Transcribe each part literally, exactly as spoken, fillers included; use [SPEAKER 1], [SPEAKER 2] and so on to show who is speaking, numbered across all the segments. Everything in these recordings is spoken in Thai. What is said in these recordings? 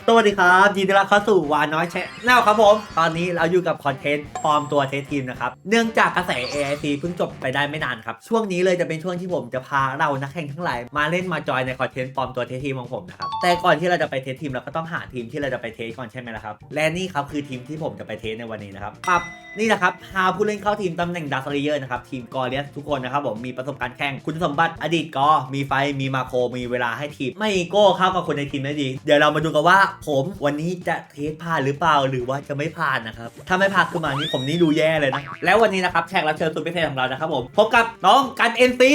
[SPEAKER 1] สวัสดีครับยินดีต้อนรับเข้าสู่วานน้อยแชนแนลครับผมตอนนี้เราอยู่กับคอนเทนต์ปลอมตัวเทสทีมนะครับเนื่องจากกระแส เอ ไอ ซี เพิ่งจบไปได้ไม่นานครับช่วงนี้เลยจะเป็นช่วงที่ผมจะพาเรานักแข่งทั้งหลายมาเล่นมาจอยในคอนเทนต์ปลอมตัวเทสทีมของผมนะครับแต่ก่อนที่เราจะไปเทสทีมเราก็ต้องหาทีมที่เราจะไปเทสก่อนใช่ไหมล่ะครับและนี่ครับคือทีมที่ผมจะไปเทสในวันนี้นะครับปั๊บนี่นะครับพาผู้เล่นเข้าทีมตำแหน่งดักเลเยอร์นะครับทีมกอเลียสทุกคนนะครับผมมีประสบการณ์แข่งคุณสมบัติอดีตกอมีไฟมีมาโคมีเวลาให้ทีมไม่โก้เข้ากับคนในทีมได้ดีเดี๋ยวเรามาดูกันว่าผมวันนี้จะเทสผ่านหรือเปล่าหรือว่าจะไม่ผ่านนะครับถ้าไม่ผ่านขึ้นมานี่ผมนี่ดูแย่เลยนะแล้ววันนี้นะครับแขกรับเชิญสุดพิเศษของเรานะครับผมพบกับน้องกันเอ็นซี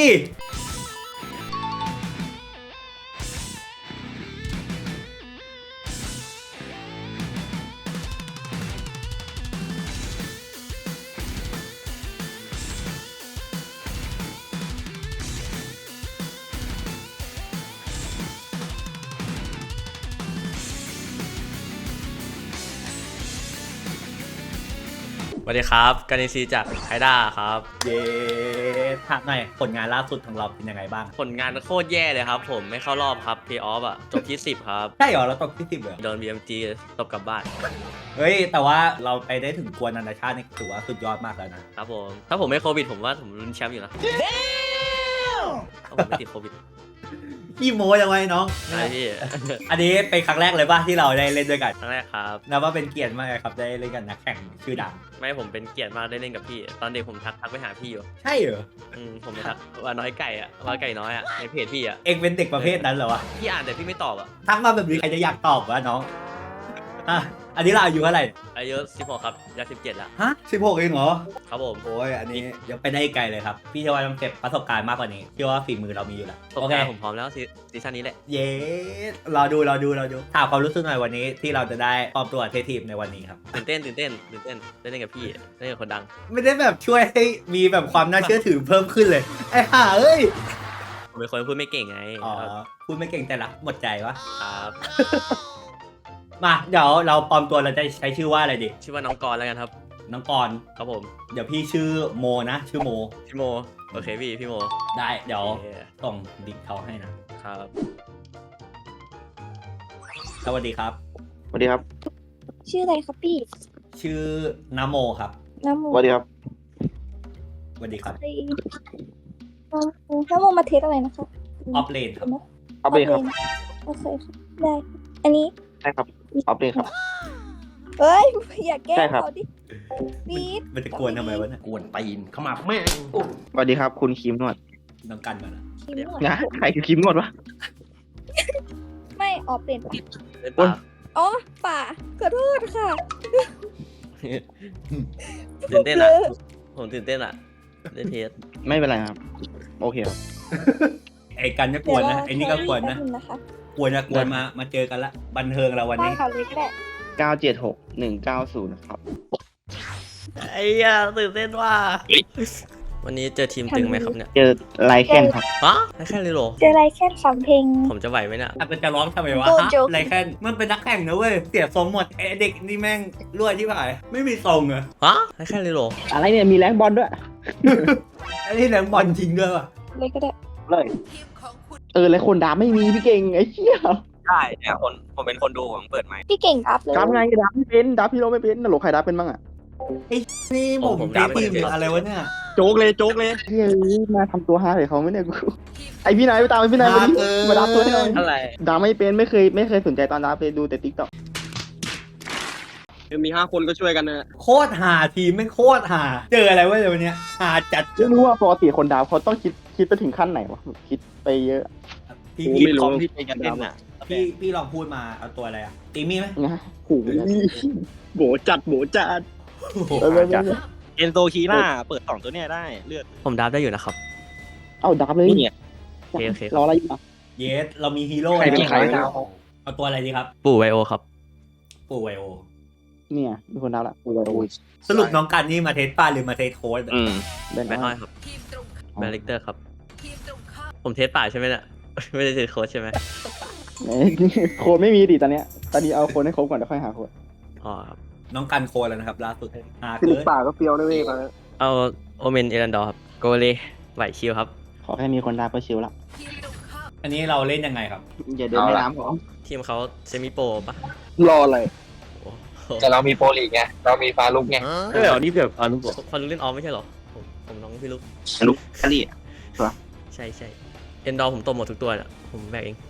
[SPEAKER 2] สวัสดีครับการีซีจากไฮด้าครับ
[SPEAKER 1] เย้ถามหน่อยผลงานล่าสุดของเราเป็นยังไงบ้าง
[SPEAKER 2] ผลงานโคตรแย่เลยครับผมไม่เข้ารอบครับเพย์ออฟอ่ะจบที่สิบครับ
[SPEAKER 1] ใช่เหรอเราตกที่สิบเหรอ
[SPEAKER 2] โดน บี เอ็ม จี ตบกลับบ้าน
[SPEAKER 1] เฮ้ยแต่ว่าเราไปได้ถึงกวนนานาชาตินี่ถือว่าสุดยอดมากแล้วนะครับ
[SPEAKER 2] ผมถ้าผมไม่โควิดผมว่าผมลุ้นแชมป์อยู่นะถ้าผมไม่ติดโควิด
[SPEAKER 1] พี่โม้ยังไงน้อง
[SPEAKER 2] ใช่พี่
[SPEAKER 1] อันนี้เป็นครั้งแรกเลยป่ะที่เราได้เล่นด้วยกัน
[SPEAKER 2] ครั้งแรกครับ
[SPEAKER 1] นับว่าเป็นเกียรติมากเลยครับได้เล่นกันนักแข่งชื่อดัง
[SPEAKER 2] ไม่ผมเป็นเกียรติมากได้เล่นกับพี่ตอนเด็กผมทักทักไปหาพี่อยู่
[SPEAKER 1] ใช่เหรอ
[SPEAKER 2] อืมผมไปทักว่าน้อยไก่อ่ะว่าไก่น้อยอ่ะในเพจพี่อ่ะ
[SPEAKER 1] เองเป็นเด็กประเภทนั้นเหรอวะ
[SPEAKER 2] พี่อ่านแต่พี่ไม่ตอบอ่ะ
[SPEAKER 1] ทักมาแบบนี้ใครจะอยากตอบวะน้องอ่ะอันนี้เราอายุเท่าไหร่
[SPEAKER 2] อายุสิบหกครับยาสิบเจ็ดละ
[SPEAKER 1] ฮะสิบหกเองเหรอ
[SPEAKER 2] ครับผม
[SPEAKER 1] โอ้ยอันนี้ยังไปได้ไกลเลยครับพี่เชื่อว่าต้องเก็บประสบการณ์มากกว่านี้เชื่อว่าฝีมือเรามีอยู่แล้ว
[SPEAKER 2] โอเคผมพร้อมแล้วซีซั่นนี้แหละ
[SPEAKER 1] เย้รอดูรอดูรอดูถามความรู้สึกหน่อยวันนี้ที่เราจะได้ปลอมตัวเทสทีมในวันนี้ครับ
[SPEAKER 2] ตื่นเต้นตื่นเต้นตื่นเต้นได้เล่นกับพี่ได้เล่นกับคนดัง
[SPEAKER 1] ไม่ได้แบบช่วยให้มีแบบความน่าเชื่อถือเพิ่มขึ้นเลยไอ้ห่าเอ้ย
[SPEAKER 2] ผมเป็นคนพูดไม่เก่งไง
[SPEAKER 1] อ๋อพูดไม่เก่งแต่ละหมดใจวะ
[SPEAKER 2] ครับ
[SPEAKER 1] มาเดี๋ยวเราปลอมตัวเราจะใช้ชื่อว่าอะไรดี
[SPEAKER 2] ชื่อว่าน้องกรแล้วกันครับ
[SPEAKER 1] น้องกร
[SPEAKER 2] ครับผม
[SPEAKER 1] เดี๋ยวพี่ชื่อโมนะชื่อโม
[SPEAKER 2] พี่โมโอเคพี่พี่โม
[SPEAKER 1] ได้เดี๋ยวส่งดิงเขาให้นะครับสวัสดีครับ
[SPEAKER 3] สวัสดีครับ
[SPEAKER 4] ชื่ออะไรครับพี่
[SPEAKER 1] ชื่อนโมครับ
[SPEAKER 4] นโม
[SPEAKER 3] สวัสดีครับ
[SPEAKER 1] สวัสดีครับ
[SPEAKER 4] นโมมาเทสอะไรนะคะ
[SPEAKER 1] ออฟเลนครับ
[SPEAKER 3] ออฟเลนครับ
[SPEAKER 4] โอเคครับได้อันนี้
[SPEAKER 3] ใช่ครับออฟเลนครับ
[SPEAKER 4] เฮ้ยอย่าแกล้งเขาดิบีด
[SPEAKER 1] มันจะกวนทำไมวะเนี่ย
[SPEAKER 5] กวนตีนเข้ามาแม่ง
[SPEAKER 3] สวัสดีครับคุณคิมนวด
[SPEAKER 1] น้องกันมาแล้ว
[SPEAKER 3] นะใครคือคิมนวดวะ
[SPEAKER 4] ไม่ออกเปลี่ยน
[SPEAKER 2] ป่า
[SPEAKER 4] อ๋อป่าขอโทษค่ะ
[SPEAKER 2] ตื่นเต้นอ่ะผมตื่นเต้นอ่ะเล่นเทส
[SPEAKER 3] ไม่เป็นไรครับโอเคครับ
[SPEAKER 1] ไอ้กันจะกวนนะไอ้นี่ก็กวนนะกวนนะกวนมามาเจอกันละบันเทิงเราวันนี้
[SPEAKER 3] เก้าเจ็ดหกหนึ่งเก้าศูนย์ครับ
[SPEAKER 2] ไอ้ยาตื่นเต้นว่าวันนี้เจอทีมตึงไหมครับเนี่ย
[SPEAKER 3] เจอไลแคนครับ
[SPEAKER 2] ฮะไลแคนเลยหรอ
[SPEAKER 4] เจอไลแคนฟังเพลง
[SPEAKER 2] ผมจะไหวไหมเนี่ย
[SPEAKER 1] มันจะร้องทำไมวะไลแคนมันเป็นนักแข่งนะเว้ยเสียทรงหมดไอเด็กนี่แม่งรวยที่ผ่านไม่มีทรงเหรอ
[SPEAKER 2] ฮะไลแคนเลยหรอ
[SPEAKER 3] อะไรเนี่ยมีแรงบอลด้วย
[SPEAKER 1] ไอ้นี่แรงบอลจริงด้วยป่ะ
[SPEAKER 4] เลยก็ได้
[SPEAKER 3] เลยเออแล้วคนด่าไม่มีพี่เก่งไอ้เหี้ย
[SPEAKER 5] ใช่เนี่ยคนผมเป็นคนดูผมเปิดไหม
[SPEAKER 4] พี่เก่งดับเลย
[SPEAKER 3] ดับไงดับไม่เป็นดับพี่โรไม่เป็นน่ะหลกใครดับเป็นบ้างอ่ะ
[SPEAKER 1] ไอ้นี่ผมตีทีมอะไรวะเนี่ย
[SPEAKER 5] โจ๊กเลยโจ๊กเลย
[SPEAKER 3] เฮ้ยมาทำตัวฮาเลยเขาไม่เนี่ยกูไอพี่นายไปตามไอพี่นายมาดิมาดับตัวให้หน่อย
[SPEAKER 2] อะไร
[SPEAKER 3] ดับไม่เป็นไม่เคยไม่เคยสนใจตอนดับไปดูแต่ติ๊กต็อก
[SPEAKER 5] มีห้าคนก็ช่วยกันนะ
[SPEAKER 1] โคตรหาทีมไม่โคตรหาเจออะไรวะเดี๋ยววันนี้หาจัด
[SPEAKER 3] ไม่รู้ว่าปกติคนดับเขาต้องคิดคิดไปถึงขั้นไหนวะคิดไปเยอะ
[SPEAKER 1] พี่
[SPEAKER 5] ไม่รู้พี่เป็นกันอ่ะ
[SPEAKER 1] พี่พี่ลองพูดมาเอาตัวอะไรอ่ะตีมี่ไหม
[SPEAKER 3] นะหู
[SPEAKER 5] โบจัดโบจัดเอ็นโซคีน่าเปิดสองตัวเนี้ยได้เลือด
[SPEAKER 2] ผมดับได้อยู่นะครับ
[SPEAKER 3] เอาดับเลย
[SPEAKER 5] เนี่ย
[SPEAKER 2] โอเคโอเค
[SPEAKER 3] รออะไรอยู่
[SPEAKER 1] เยสเรามีฮีโร่
[SPEAKER 5] ใครเป็นใคร
[SPEAKER 1] เอาตัวอะไรดีครับ
[SPEAKER 2] ปู่ไวโอครับ
[SPEAKER 1] ปู่ไวโอ
[SPEAKER 3] เนี่ยมีคนดับละปู่ไวโอ
[SPEAKER 1] สรุปน้องกันนี่มาเทสป้าหรือมาเทสโค้ด
[SPEAKER 2] อืมแบนน้อยครับแบนเลกเตอร์ครับผมเทสป่าใช่ไหมเนี่ยไม่ได้เทสโค้ดใช่ไหม
[SPEAKER 3] โค้ดไม่มีดิตอนเนี้ยตอนนี้เอาโค้ดให้ครบก่อนเดี๋ยวค่อยหาโค้ด
[SPEAKER 2] อ๋อครับ
[SPEAKER 1] น้องกันโค้ดแล้วนะครับล่าสุดหา
[SPEAKER 3] เกินป่าก็เปรี้ยวได้เว้ย
[SPEAKER 2] เอาโอเมนเอรันดอร์ครับโกเลไหวชิลครับ
[SPEAKER 3] ขอแค่มีคนดับก็ชิลละ
[SPEAKER 1] อันนี้เราเล่นยังไงครับ
[SPEAKER 3] อย่าเดินในน้ำหรอ
[SPEAKER 2] ทีมเขาเซมิโปรปะ
[SPEAKER 5] รออะไร
[SPEAKER 2] โอ้โห
[SPEAKER 6] แต่เรามีโปรลีกไง เรามีฟาลุกไง
[SPEAKER 5] เอออันนี้แบบอันนู้น
[SPEAKER 2] พอรู้เล่นออฟไม่ใช่เหรอผมผมน้องพี่ลูก
[SPEAKER 3] ลูกแคลรี่
[SPEAKER 2] ใช่ใช่เอ็นดอร์ผมตบหมดทุกตัวเนี่ยผมแบกเอง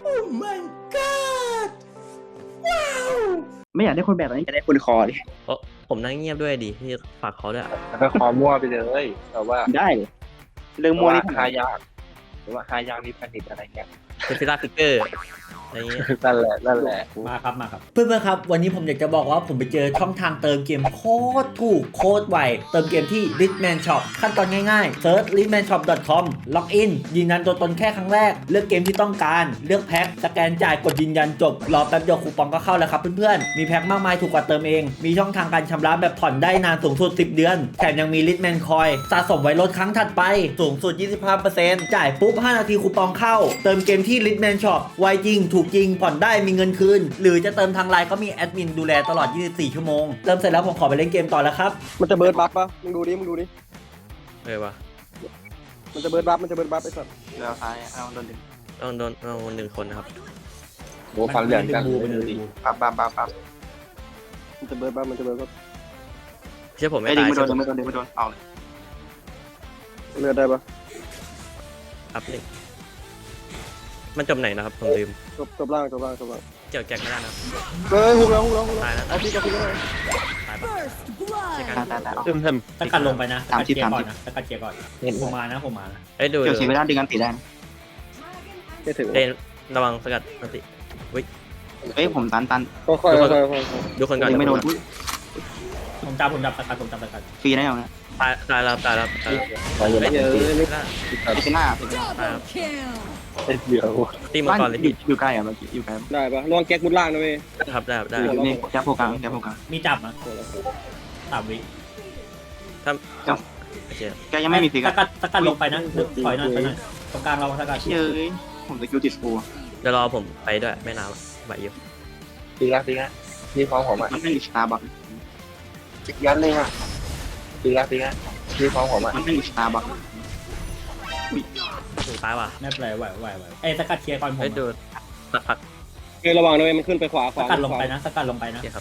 [SPEAKER 3] ไม่อยากได้คนแบบนี้อยากได้คนคอดิ
[SPEAKER 2] เพราะผมนั่งเงียบด้วยดิที่ฝากเขาด้วย
[SPEAKER 6] แล้วก็คอมั่วไปเลยแต่ว่า
[SPEAKER 3] ได้เลยเรื่องมัวนี่
[SPEAKER 6] หายากหรือว่าหายากมีผลิตอะไรเงี้ย
[SPEAKER 2] เป็นฟิลาฟิกเกอร์อะไรเงี้ย
[SPEAKER 6] นั่นแหละนั่นแหละ
[SPEAKER 1] มาครับมาครับเพื่อนๆครับวันนี้ผมอยากจะบอกว่าผมไปเจอช่องทางเติมเกมโคตรถูกโคตรไวเติมเกมที่ Richman Shop ขั้นตอนง่ายๆ search richman shop dot com ล็อกอินยืนยันตัวตนแค่ครั้งแรกเลือกเกมที่ต้องการเลือกแพ็คสแกนจ่ายกดยืนยันจบรอแป๊บเดียวคูปองก็เข้าแล้วครับเพื่อนๆมีแพ็คมากมายถูกกว่าเติมเองมีช่องทางการชำระแบบผ่อนได้นานสูงสุดสิบเดือนแถมยังมี Richman Coin สะสมไว้ลดครั้งถัดไปสูงสุด ยี่สิบห้าเปอร์เซ็นต์ จ่ายปุ๊บห้านาทีคูปองเข้าเติมเกมที่ Richman Shop ไวจริงถูกจริงผ่อนได้มีเงินคืนหรือจะเติมทางไลน์ก็มีแอดมินดูแลตลอดยี่สิบสี่ชั่วโมงเติมเสร็จแล้วผมขอไปเล่นเกมต่อแล้วครับ
[SPEAKER 5] มันจะเบิร์ดบัฟปะมึงดูดิมึงดูดิ
[SPEAKER 2] เออวะ
[SPEAKER 5] มันจะเบิร์ดบัฟมันจะเบิร์ดบัฟไอ้สัส
[SPEAKER 3] แล้วท้ายเอาโดนดึง
[SPEAKER 2] ต้องโดนเอาหนึ่งคนนะครับ
[SPEAKER 6] โอ้ฟันเหลืองกัน
[SPEAKER 1] มันดึงบูไปเลย
[SPEAKER 3] ปั๊บปั๊บปั๊บปั๊บ
[SPEAKER 5] มันจะเบิร์ดบัฟมันจะเบิร์ดบัฟ
[SPEAKER 2] เชื่อผมไม่
[SPEAKER 3] ไอ้ดึง
[SPEAKER 2] ตาย
[SPEAKER 3] ไม่โด
[SPEAKER 2] เชื่อน ผม
[SPEAKER 3] ไม่โดนไม่โดนเอาเลย
[SPEAKER 5] เลือดได้ปะ
[SPEAKER 2] อัพหนึ่งมันจบไหนนะครับผมลืม
[SPEAKER 5] จบจบล่างจบล่างจบล่าง
[SPEAKER 2] เกี่ยวแจ็คไม่ได้นะ
[SPEAKER 5] เฮ้ยฮุกแล้วฮุกแล้วฮุกแล้ว
[SPEAKER 2] ตายแล้ว
[SPEAKER 5] เอาพี่กับพี่ก็ได้
[SPEAKER 2] ตายปะเช็คกัน
[SPEAKER 3] ตายตายตายเอา
[SPEAKER 5] เต็มเต็ม
[SPEAKER 1] สกัดลงไปนะส
[SPEAKER 3] สาม
[SPEAKER 1] กัด
[SPEAKER 3] สิบ
[SPEAKER 1] เกียร์ก่อน
[SPEAKER 3] สามสิบ
[SPEAKER 1] นะสกัดเกียร์ก่อน
[SPEAKER 6] เห็น
[SPEAKER 1] ผมมานะผมมานะ
[SPEAKER 2] เอ้ยดู
[SPEAKER 3] เกี่ยวเสียเวลาดึงกันตีได้นะ
[SPEAKER 5] ไม่ถึง
[SPEAKER 2] เดนระวังสกัดอันติ
[SPEAKER 3] เอ้ยผมตันตัน
[SPEAKER 5] ก็ค่อยๆค่อยๆค่อย
[SPEAKER 2] ดูคนก่อน
[SPEAKER 3] ดึงไม่โดน
[SPEAKER 1] ผมจับผมจับสกัดผมจับสกัด
[SPEAKER 3] ฟรีได้ยังนะ
[SPEAKER 2] ตายตายแล้วตายแล้วตายแล้ว
[SPEAKER 6] มาอยู่
[SPEAKER 2] เฮ้
[SPEAKER 6] แล้
[SPEAKER 2] ยว
[SPEAKER 5] ๆเยอะ
[SPEAKER 2] ไม่
[SPEAKER 5] ไม่
[SPEAKER 2] ได้
[SPEAKER 3] ไอ้เป็นหน้า
[SPEAKER 2] ตายแล้ว
[SPEAKER 6] เดี๋ยว
[SPEAKER 2] ตีมา
[SPEAKER 3] บ้าน
[SPEAKER 2] ก่อนเลย
[SPEAKER 3] อยู่อยู่ใกล้อ่ะเมื่อกี้อยู่ใกล้
[SPEAKER 5] ได้ปะระวังแก๊กมุดล่างนะเว้ย
[SPEAKER 2] ครับได้ได้
[SPEAKER 3] อยู่นี่แค่โฟกัสแค่โฟกัส
[SPEAKER 1] มีจับนะสามวิ
[SPEAKER 2] ถ้าโอเค
[SPEAKER 3] แกยังไม่มีฟิก
[SPEAKER 1] ส
[SPEAKER 3] อ่ะ
[SPEAKER 1] กัดสกัดลงไปนะถอยหน่อยถอยหน่อยตรงกลางเราสกัด
[SPEAKER 3] เฮ้ยผมสกิลติดฟู
[SPEAKER 2] เดี๋ยวรอผมไปด้วยไม่นานหรอกไหวอยู่
[SPEAKER 6] ปีละปีละพี่พร้อมผมอ่ะ
[SPEAKER 3] มันไม่มีสตาร์บัค
[SPEAKER 6] ยัดเลยอ่ะปีละปีละพี่พร้อมผมอ่ะ
[SPEAKER 3] มันไม่มีสตาร์บัค
[SPEAKER 2] ถูกตายว่ะ
[SPEAKER 1] ไม่เป็นไรไหวไหวไหวเอ้ยสกัดเคลียร์ก่อนผม
[SPEAKER 2] เฮ้ยดูสักพัก
[SPEAKER 5] เฮ้ยระวังนะเว้ยมันขึ้นไปขวาข
[SPEAKER 1] ส
[SPEAKER 5] วา
[SPEAKER 1] กัดลงไปนะสกัดลงไป
[SPEAKER 2] โอ
[SPEAKER 1] นะ
[SPEAKER 2] เคครับ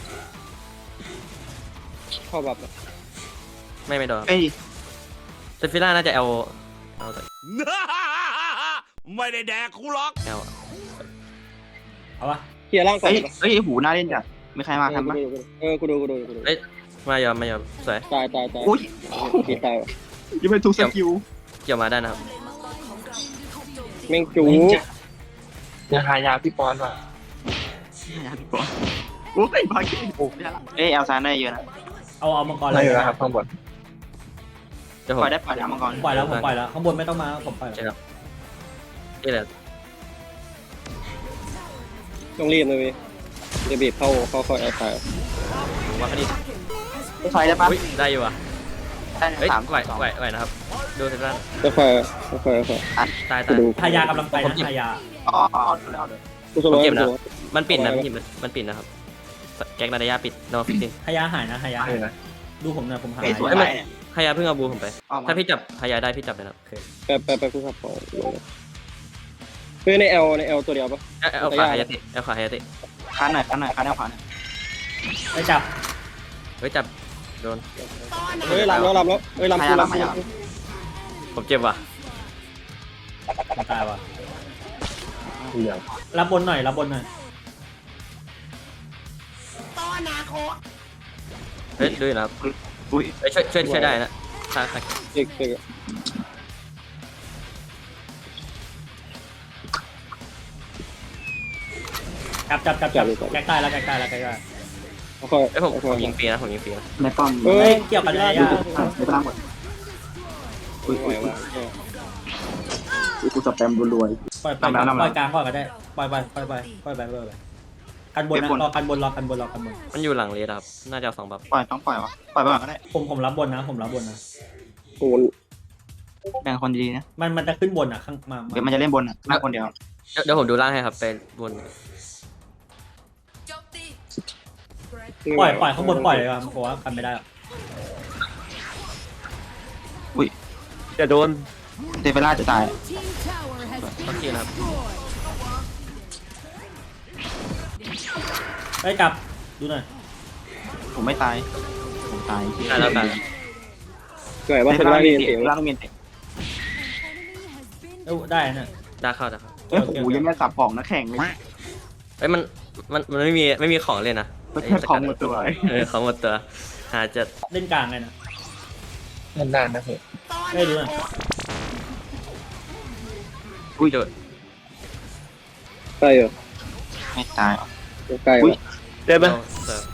[SPEAKER 5] เข้าแบบ
[SPEAKER 2] ไม่ไม่โดน
[SPEAKER 3] เอ้ย
[SPEAKER 2] เซฟิล่าน่าจะเอาเอาแต่
[SPEAKER 7] ไม่ได้แดกคูล็อก
[SPEAKER 2] เอา
[SPEAKER 1] เอาวะ
[SPEAKER 5] เคลียร์ล่างก่อน
[SPEAKER 3] เอ้ยเอ้ยหูน่าเล่นจัดมีใครมาทันปะ
[SPEAKER 5] เออกูดูกูดูกูดู
[SPEAKER 2] เอ้ยมายอมมายอมสวย
[SPEAKER 5] ตายตายตาย
[SPEAKER 3] อุ้ย
[SPEAKER 5] ตีตายว่ะ
[SPEAKER 3] ยังไม่ถูกสกิล
[SPEAKER 2] เกี่ยวมาได้นะครับ
[SPEAKER 5] แม่งจู
[SPEAKER 6] ยังหายาพี่ปอนว่ะ
[SPEAKER 3] โอ้ยบาเก้เอ้ยเอลซานได้เยอะนะ
[SPEAKER 1] เอาเอามังกร
[SPEAKER 6] ไม่
[SPEAKER 1] เลย
[SPEAKER 6] อยู่แล้วครับข้างบน
[SPEAKER 2] เดี๋ยวผ
[SPEAKER 3] ป
[SPEAKER 2] ม
[SPEAKER 3] ล่อยได้ปล่อยแล้วมังกร
[SPEAKER 1] ผมปล่อยแล้วผมปล่อยแล้วข้างบนไม่ต้องมาผมปล่อยแล้ว
[SPEAKER 2] นี่แหละ
[SPEAKER 5] ต้องรีบเลยเว้ยจะบีบเข้าเข้าเข้าแอร์ไฟ
[SPEAKER 2] ผมว่าคดี
[SPEAKER 3] ไฟได้ปะ
[SPEAKER 2] อุ้ยได้อยู่อ่ะ
[SPEAKER 3] ได้
[SPEAKER 2] เฮ้ย
[SPEAKER 3] สาม
[SPEAKER 2] ไหวไหวไหวนะครับดูเซฟิล่า
[SPEAKER 5] ก็ค่อยค่อยค่อย
[SPEAKER 2] ตาย
[SPEAKER 5] กู
[SPEAKER 2] ตาย
[SPEAKER 5] ดู
[SPEAKER 1] ทายากำลังไปนะทายา
[SPEAKER 3] อ๋อเอาเดี๋ยวเอาเดี๋ยว
[SPEAKER 5] กูสโลว์กู
[SPEAKER 2] มันปิดนะพี่มันปิดนะครับแก๊กนาดายาปิดโดนฟิกซิง
[SPEAKER 1] ทายาหายนะทายา
[SPEAKER 6] ไม่นะ
[SPEAKER 1] ดูผมหน่อยผมหาย
[SPEAKER 3] เอ้ยสวย
[SPEAKER 2] เอ้ย
[SPEAKER 3] ไป
[SPEAKER 2] มัน ฮายาเพิ่งเอาบูผมไป
[SPEAKER 3] ออกมา
[SPEAKER 2] ถ้าพี่จับฮายาได้พี่จับเลยนะ
[SPEAKER 5] แปะแปะแปะกูขับของเฮ้ยในเอลในเอลตัวเดียวปะ
[SPEAKER 2] เอาเอาขาฮายาติเอาขาฮายาติ
[SPEAKER 3] คันหน่อยคันหน่อยคันแนวขวาหน่อย
[SPEAKER 1] ไปจับ
[SPEAKER 2] เฮ้ยจับโดน
[SPEAKER 5] เฮ้ยลำแล้วลำแล้วเฮ้ยลำกูลำกู
[SPEAKER 2] ผมเจ็บว่ะ
[SPEAKER 1] ผมตายว่ะ
[SPEAKER 6] เหลือง
[SPEAKER 1] รับบนหน่อยรับบนหน่อย
[SPEAKER 2] เฮ้ยดูอยู่นะครับ
[SPEAKER 3] อุ้ย
[SPEAKER 2] เฮ้ยช่วยช่วยช่วยได้นะถ้าถ้า
[SPEAKER 5] เด็กเด็ก
[SPEAKER 1] จับจับจับจับแก๊กตายแล้วแก๊กตายแล้วแก๊กตาย
[SPEAKER 5] ค่อย
[SPEAKER 2] เอ้ยผมผมยิงฟรีนะผมยิงฟรีนะ
[SPEAKER 3] ในป้อม
[SPEAKER 5] เฮ้
[SPEAKER 1] เฮ้
[SPEAKER 5] ย
[SPEAKER 1] ยเกี่ยวกันทายา
[SPEAKER 3] ในพลังหมดอุ้ย
[SPEAKER 5] ไหว
[SPEAKER 3] อุ้ย
[SPEAKER 5] ว่ะ
[SPEAKER 3] อุ้ยกูสแปมรัว
[SPEAKER 1] ปล่อยปล่อยปล่อยกลางก่อนก็ได้ปล่อยไปปล่อยไปปล่อยไปปล่อยไปกันบนนะรอกันบนรอกันบนรอกันบน
[SPEAKER 2] มันอยู่หลังเลสครับน่าจะเอาสองบัฟ
[SPEAKER 3] ปล่อยต้องปล่อยวะปล่อยไปก่อนก็ได้
[SPEAKER 1] ผมผมรับบนนะผมรับบนนะ
[SPEAKER 5] กู
[SPEAKER 3] แบ่งคนดีๆนะ
[SPEAKER 1] มันมันจะขึ้นบนอ่ะข้างมา
[SPEAKER 3] เดี๋ยวมันจะเล่นบนอ่ะหน้าคนเดียว
[SPEAKER 2] เดี๋ยวเดี๋ยวผมดูล่างให้ครับไปบน
[SPEAKER 1] ปล่อยปล่อยข้างบนปล่อยเลยครับเพราะว่ากันไม่ได้
[SPEAKER 5] จะโดน
[SPEAKER 3] เดเวล่าจะตาย
[SPEAKER 2] ต้องคิวนะครับ
[SPEAKER 1] ไปกลับดูหน่อย
[SPEAKER 3] ผมไม่ตายผมตาย
[SPEAKER 2] ตายแล้วตาย
[SPEAKER 5] สวยว่าเป็นร่างเรียนเสียง
[SPEAKER 3] ร่างเมียนเตะ
[SPEAKER 1] เอ้าได้นะ
[SPEAKER 2] ได้เข้าได้เข้า
[SPEAKER 3] เอ้ยโอ้โหยังไม่สับของนะแข่งเลย
[SPEAKER 2] เอ้ยมันมันมันไม่มีไม่มีของเลยนะ
[SPEAKER 3] มันแค่ของหมดตัว
[SPEAKER 2] เออของหมดตัวหาจะ
[SPEAKER 1] เล่นกลางเลยนะ
[SPEAKER 6] นานๆนะเพื่อน
[SPEAKER 1] เอ้ยดูหน่อย
[SPEAKER 2] อุ้ยโดด
[SPEAKER 5] ใช่เหรอ
[SPEAKER 3] ไม่ตาย
[SPEAKER 5] ใกล้
[SPEAKER 3] อุ้ย
[SPEAKER 8] ได้ไหม
[SPEAKER 2] เสิร์ฟ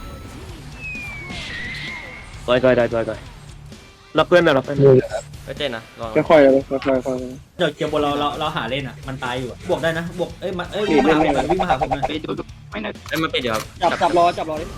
[SPEAKER 8] ต่อยต่อยต่อยต่อยต่อยรับเพื่อนหน่อยรับเพื่อน
[SPEAKER 2] เอ้ยเจนนะลอง
[SPEAKER 5] ค่อยๆเลยค่อยๆค่อย
[SPEAKER 1] เดี๋ยวเกียร์บนเราเราเราหาเล่นอ่ะมันตายอยู่อะบวกได้นะบวกเอ้ยมาเอ้ยวิ่งมาหาผมหน่อยวิ่งมาหาผมหน่อย
[SPEAKER 3] เอ้ยดูดูไม่นะ
[SPEAKER 2] เอ้ยมันปิดเดี๋ยวครับ
[SPEAKER 5] ๆจับจับรอจับรอดิ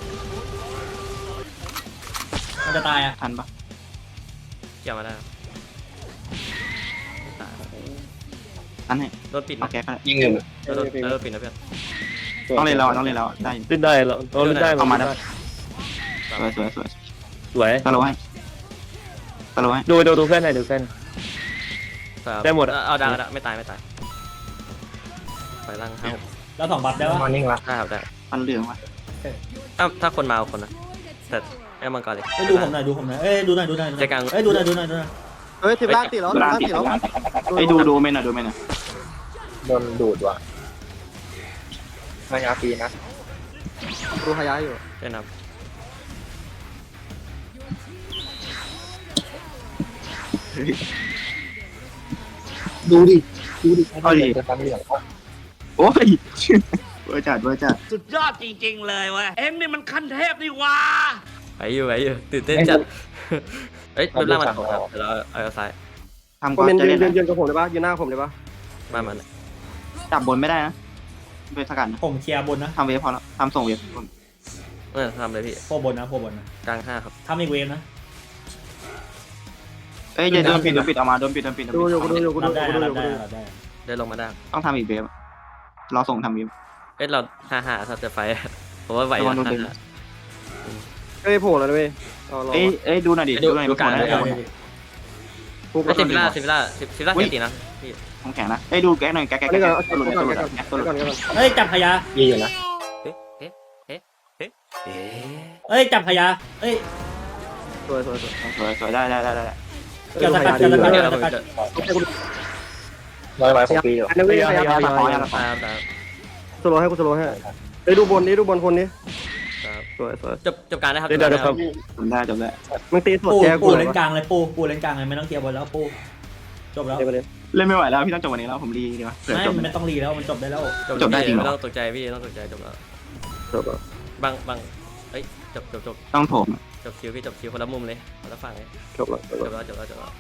[SPEAKER 1] มันจะตายอ่ะ
[SPEAKER 3] ทันปะ
[SPEAKER 2] เกี่ยวมาได้ครับตาย
[SPEAKER 3] ทันให้
[SPEAKER 2] โดนปิด
[SPEAKER 3] เอา
[SPEAKER 2] นะ
[SPEAKER 3] แก๊กก็ได้
[SPEAKER 6] ยิงเงิน
[SPEAKER 2] โดนโดนปิดนะเพื่อน
[SPEAKER 3] ต้องเล่นแล้วต้องเล่นแล้วได้
[SPEAKER 8] เล่นได้เราเราเล่นได้
[SPEAKER 3] เอามาได้
[SPEAKER 8] ได้
[SPEAKER 3] สวยสวยสวย
[SPEAKER 8] สวย
[SPEAKER 3] ตะโลให้ตะโลให้
[SPEAKER 8] ดูดูดูเพื่อนหน่อยดูเพื่อน
[SPEAKER 2] ครับ
[SPEAKER 8] ได้หมดอะ
[SPEAKER 2] เอาดังก็ไม่ตายไม่ตายไปล่างห้าหก
[SPEAKER 1] แล้วสองบัฟได้ปะ
[SPEAKER 6] มอร์นิ่งละ
[SPEAKER 2] ได้ครับได้
[SPEAKER 3] มันเหลืองว่ะ
[SPEAKER 2] ถ้าถ้าคนมาเอาคนนะแต่ไอ้มังกรเลย
[SPEAKER 1] เอ้ยดูผมหน่อยดูผมหน่อยเอ้ยดูหน่อยดูหน่อยดูหน่อย
[SPEAKER 2] ใจกลาง
[SPEAKER 1] เอ้ยดูหน่อยดูหน่อยดูหน่อย
[SPEAKER 3] เฮ้ยทีมล่างติดแล้วทีมล่างติดแล้วไอ้ดูดูเมนหน่อยดูเมนหน่อย
[SPEAKER 6] โดนดูดว่ะพยาปีนะ
[SPEAKER 3] ดูฮายาอยู่
[SPEAKER 2] เจ้นครับ
[SPEAKER 6] ดูดิดูดิ
[SPEAKER 3] เอาดิ
[SPEAKER 6] จะตั้งเหลือง
[SPEAKER 3] โอ้ยเวอร์จัดเวอร์จัด
[SPEAKER 7] สุดยอดจริง ๆ เลยเว้ย เอ็งนี่มันขั้นเทพนี่หว่า
[SPEAKER 2] ไปอยู่ไปอยู่ตื่นเต้นจัดเฮ้ยรูปร่างมันของครับเดี๋ยวเราเอาเอาซ้าย
[SPEAKER 3] ทำ
[SPEAKER 5] ค
[SPEAKER 3] ก่
[SPEAKER 5] อ
[SPEAKER 3] อ
[SPEAKER 5] มเมน
[SPEAKER 3] น
[SPEAKER 5] ต์
[SPEAKER 3] จะ
[SPEAKER 5] ยื
[SPEAKER 3] เล่
[SPEAKER 5] น
[SPEAKER 3] น
[SPEAKER 5] ยืนยืนกับผมได้ปะยืนหน้าผมได้ปะ
[SPEAKER 2] มามัน
[SPEAKER 3] จับบนไม่ได้นะไปสกัดนะ
[SPEAKER 1] ผมเคลียร์บนนะ
[SPEAKER 3] ทำเวฟพอแล้วทำส่งเวฟ
[SPEAKER 2] เออทำเลยพี่
[SPEAKER 1] โคบนนะโคบนนะ
[SPEAKER 2] กลางห้าครับ
[SPEAKER 1] ทำอีกเวฟนะ
[SPEAKER 3] เอ้ยอย่าโดนปิดโดนปิดออกมาโดนปิดโดนปิด
[SPEAKER 5] ดูอยู่กูดูอยู่กูดู
[SPEAKER 1] รับ
[SPEAKER 5] อยู่
[SPEAKER 1] ได้
[SPEAKER 5] กูดู
[SPEAKER 1] นะ
[SPEAKER 5] อยู่
[SPEAKER 1] รับ
[SPEAKER 5] กู
[SPEAKER 1] ได้
[SPEAKER 5] ดู
[SPEAKER 1] รับได้
[SPEAKER 2] ได้ลงมาได้
[SPEAKER 3] ต้องทำอีกเวฟรอส่งทำเวฟ
[SPEAKER 2] เอ้ยเราห้าห้าถ้าจะไฟผมว่าไหว
[SPEAKER 3] ระวั
[SPEAKER 2] นะ
[SPEAKER 3] งโดนดึง
[SPEAKER 2] ห้าห้า
[SPEAKER 5] เอ้ยโผล่แล้วนะเว้ยรอรอ
[SPEAKER 3] เอ้ยเอ้ยดูหน่อยดิดูหน่อย
[SPEAKER 2] ดูการ
[SPEAKER 3] ดูหน่อย
[SPEAKER 1] ได้ได้
[SPEAKER 5] ปุ๊บ
[SPEAKER 2] ไอ้สิบวิล่าสิบวิล่าสิบสิบวิล่าเสียตีนะพี่
[SPEAKER 3] ผมแข็งนะเอ้ยดูแก๊กหน่อยแก๊กแก๊ก
[SPEAKER 5] นี่
[SPEAKER 3] แก๊
[SPEAKER 5] ก่อน
[SPEAKER 3] กตัวหลุด
[SPEAKER 5] ก่
[SPEAKER 3] ตั
[SPEAKER 5] อ
[SPEAKER 3] วน หลุด
[SPEAKER 5] ก่อน
[SPEAKER 3] แก๊กตัวหลุ
[SPEAKER 5] ก่
[SPEAKER 3] ด
[SPEAKER 5] อนก่อน
[SPEAKER 1] เฮ้ยจับขยะ
[SPEAKER 6] ยีอยู่นะ
[SPEAKER 2] เอ๊ะเอ๊ะเอ๊ะเอ๊ะเอ๊ะ
[SPEAKER 1] เอ้ยจับขยะเอ้ย
[SPEAKER 5] สวยสวยสวย
[SPEAKER 3] สวยสวยได้ได้ได้ได้
[SPEAKER 1] เกี่ยวสกัดเกี่ยวสกัด
[SPEAKER 2] เดี๋
[SPEAKER 1] เกี่
[SPEAKER 2] ย
[SPEAKER 1] ยว ว
[SPEAKER 2] เรา
[SPEAKER 1] สกัด
[SPEAKER 2] จะ
[SPEAKER 6] ร้อยร้อยหกปีอยู่
[SPEAKER 5] อันนี้เว้ยพยายาม
[SPEAKER 3] ตาขออย่าละขอ
[SPEAKER 2] ตามตาม
[SPEAKER 5] สโลให้กูสโลให้เอ้ยดูบนนี้ดูบนคนนี้
[SPEAKER 2] ครับ
[SPEAKER 5] สวยสวย
[SPEAKER 2] จบจบการนะครับ
[SPEAKER 8] เล่นได้นะครับ
[SPEAKER 3] จบได้จบได้
[SPEAKER 5] มึงตีสด
[SPEAKER 1] ปู
[SPEAKER 5] แก
[SPEAKER 1] ปู
[SPEAKER 5] กู
[SPEAKER 1] เล่นกลางเลยปูปูเล่นกลางเลยไม่ต้องเคลียร์บนแล้วปูจบแล้ว
[SPEAKER 5] เดี๋ยวไปเลย
[SPEAKER 3] เล่นไม่ไหวแล้วพี่ต้องจบวันนี้แล้วผมรีดีกว่าเผื่อ
[SPEAKER 1] ไม่
[SPEAKER 3] จบ
[SPEAKER 1] ไม่ต้องรีแล้วมันจบได้แล้ว
[SPEAKER 3] จบได้จริงเหรอ
[SPEAKER 2] ไม่ต้องตกใจพี่ต้องตกใจจบแล้ว
[SPEAKER 5] จบแล้ว
[SPEAKER 2] บางบางเฮ้ยจบจบจบ
[SPEAKER 3] ต้องโถม
[SPEAKER 2] จบคิวพี่จบคิวคนละมุมเลยคนละฝั่งเลย
[SPEAKER 5] จบแล้วจบ
[SPEAKER 2] จ
[SPEAKER 5] แล้ว
[SPEAKER 2] บแล้วจบแล้วจบแล้ว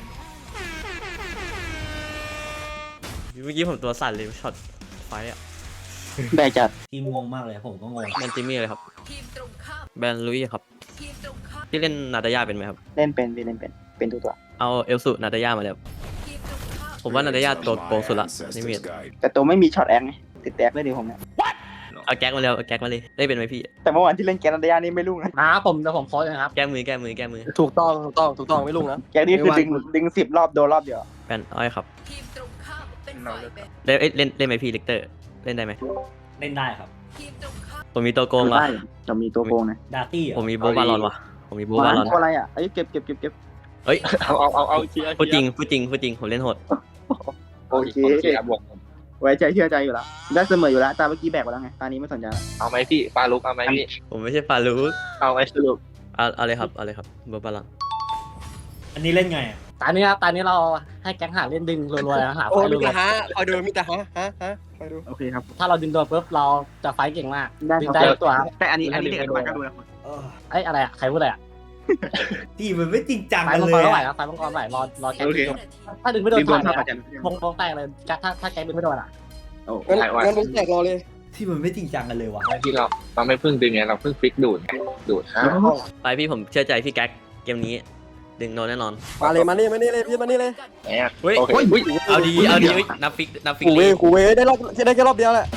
[SPEAKER 2] เมื่อกี้ผมตัวสั่นเลยช็อตไฟอ่ะ
[SPEAKER 3] แบกจัด
[SPEAKER 1] ทีมงงมากเลยผมก็งง
[SPEAKER 2] แมนจิมี่เลยครับแบนลุยครับที่เล่นนาตาย่าเป็นไหมครับ
[SPEAKER 3] เล่นเป็นเล่นเป็นเป็นตัวตัว
[SPEAKER 2] เอาเอลสุนาตาย่ามาเลยครับผมว่านาตาย่าตัวโกงสุดละนี่มี
[SPEAKER 3] แต่ตัวไม่มีช็อตแองไงติดแตกเลยดิผมเนี่ย
[SPEAKER 2] เอาแก๊กมาเลยเอาแก๊กมาเลยได้เป็นไหมพี่
[SPEAKER 3] แต่เมื่อวานที่เล่นแกนันเดียนี่ไม่รุ่งนะ
[SPEAKER 9] นะผมแต่ผมโพสต์นะครับ
[SPEAKER 2] แก้มือแก้มือแก้มือ
[SPEAKER 5] ถูกต้องถูกต้องถูกต้องไม่ลุงนะ
[SPEAKER 3] แกนี่คือดึงดึงสิบรอบโดนรอบเดียว
[SPEAKER 2] แบนอ้อยครับเล่นเอ้ยเล่นเล่นไหมพี่ลิกเตอร์เล่นได้ไหม
[SPEAKER 1] เล่นได้ครับ
[SPEAKER 2] ผมมีตัวโกงเหรอ
[SPEAKER 3] ได้จะมีตัวโกงนะ
[SPEAKER 1] ดาร์ตี้
[SPEAKER 2] ผมมีโบบาลอนว่ะผมมีโบบาลอน
[SPEAKER 3] อะไรอ่ะไอ้เก็บเก็บเก็บเก็บ
[SPEAKER 2] เฮ้ย
[SPEAKER 6] เอาเอาเอาเอาเชียร์
[SPEAKER 2] พูดจริงพูดจริงพูดจริงผมเล่นโหด
[SPEAKER 3] โอเค
[SPEAKER 6] เชียร์บวก
[SPEAKER 3] ไว้ใจเชื่อใจอยู่แล้วได้เสมออยู่แล้วตาเมื่อกี้แบกไปแล้วไงตานี้ไม่สนใจแล้ว
[SPEAKER 6] เอาไหมพี่ปลาลุกเอาไหมพี่
[SPEAKER 2] ผมไม่ใช่ฟารูก
[SPEAKER 6] เอาไหมสรุป
[SPEAKER 2] เอาเอาเลยครับเอาเลยครับโบบาลอน
[SPEAKER 1] อันนี้เล่นไงอะ
[SPEAKER 9] ตอนนี้ครับตอนนี้เราให้แก๊งหาเล่นดึงรัวๆนะหาไฟรัว
[SPEAKER 5] คอยดูมิตรฮะฮะฮะคอยดู
[SPEAKER 3] โอเคครับ
[SPEAKER 9] ๆถ้าเราดึงตัวปุ๊บเราจะไฟเก่งมาก
[SPEAKER 3] ได้
[SPEAKER 9] ดึ
[SPEAKER 3] ค
[SPEAKER 9] ง
[SPEAKER 3] รับ
[SPEAKER 9] ได้ทุกตัวครับ
[SPEAKER 3] แต่อันนี้อันนี้เด็กอนุบาลก็ดูนะ
[SPEAKER 1] เออ
[SPEAKER 9] เอ้ยอะไรอ่ะใครพูดอะไรอ่ะ
[SPEAKER 1] ทีมมันไม่จริงจัง
[SPEAKER 9] ไฟ
[SPEAKER 1] กัน
[SPEAKER 9] มัง
[SPEAKER 1] เล
[SPEAKER 9] กร
[SPEAKER 1] ย
[SPEAKER 9] เท่าไหร่
[SPEAKER 1] อะ
[SPEAKER 9] ครับไฟมังกรเท่าไหร่รอรอแก๊ง
[SPEAKER 3] โอเค
[SPEAKER 9] ดึงถ้าดึงไม่โดน
[SPEAKER 3] ดึงโดน
[SPEAKER 9] ตา
[SPEAKER 3] เท่าย กับ
[SPEAKER 9] นะ
[SPEAKER 3] จัน
[SPEAKER 9] วงวงแตกเลยถ้าถ้าแก๊งดึงไม่โดนอ่ะ
[SPEAKER 3] โอ้
[SPEAKER 5] งั้นงั้นผมแตกรอเลย
[SPEAKER 1] ที่มันไม่จริงจังกันเลยวะ
[SPEAKER 6] ไม่พี่เราเราไม่พึ่งดึงไงเราพึ่งฟิกดูดไงดูดฮะ
[SPEAKER 2] ไปพี่ผมเชื่อใจพี่แก๊กเกมนี้ดึงโดนแน่นอน
[SPEAKER 5] มาเลยมานี่มานี่เลยพี่มานี่เลย
[SPEAKER 6] แหม
[SPEAKER 2] เฮ้ย
[SPEAKER 6] โอเค
[SPEAKER 2] เอาดีเอาดีเฮ้ยนับฟิกนับฟิก
[SPEAKER 5] กูเว
[SPEAKER 2] ลี
[SPEAKER 5] กูเวได้รอบได้แค่รอบเดียวแหละ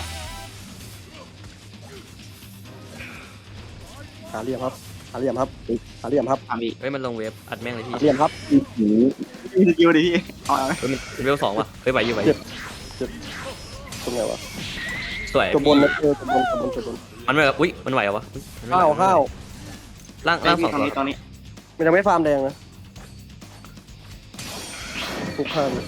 [SPEAKER 5] หาเหลี่ยมครับหาเหลี่ยมครับหาเหลี่ยมครับ
[SPEAKER 3] ทำอีก
[SPEAKER 2] เฮ้ยมันลงเวฟอัดแม่งเลยพี่
[SPEAKER 5] หาเหลี่ยมครับ
[SPEAKER 3] มีสกิลดิพี่เอาเอา
[SPEAKER 2] เฮ้ยมันเวฟสองว่ะเฮ้ยไหวอยู่ไหวอยู่
[SPEAKER 5] ตรงไหนวะ
[SPEAKER 2] สวย
[SPEAKER 3] จบบนนะเออจบบนจบบนจบบน
[SPEAKER 2] มันไม่แบบอุ้ยมันไหวเหรอวะอุ๊ยมันไม่ไหว
[SPEAKER 3] ข้าวข้าว
[SPEAKER 2] ล่าง
[SPEAKER 5] ไอ้
[SPEAKER 2] ล่างส
[SPEAKER 5] พี่
[SPEAKER 2] อง
[SPEAKER 5] ตรง
[SPEAKER 2] ตัว
[SPEAKER 5] นี้ตรงนี้
[SPEAKER 3] มันจะไม่ฟาร์มแดงนะทุกข้าง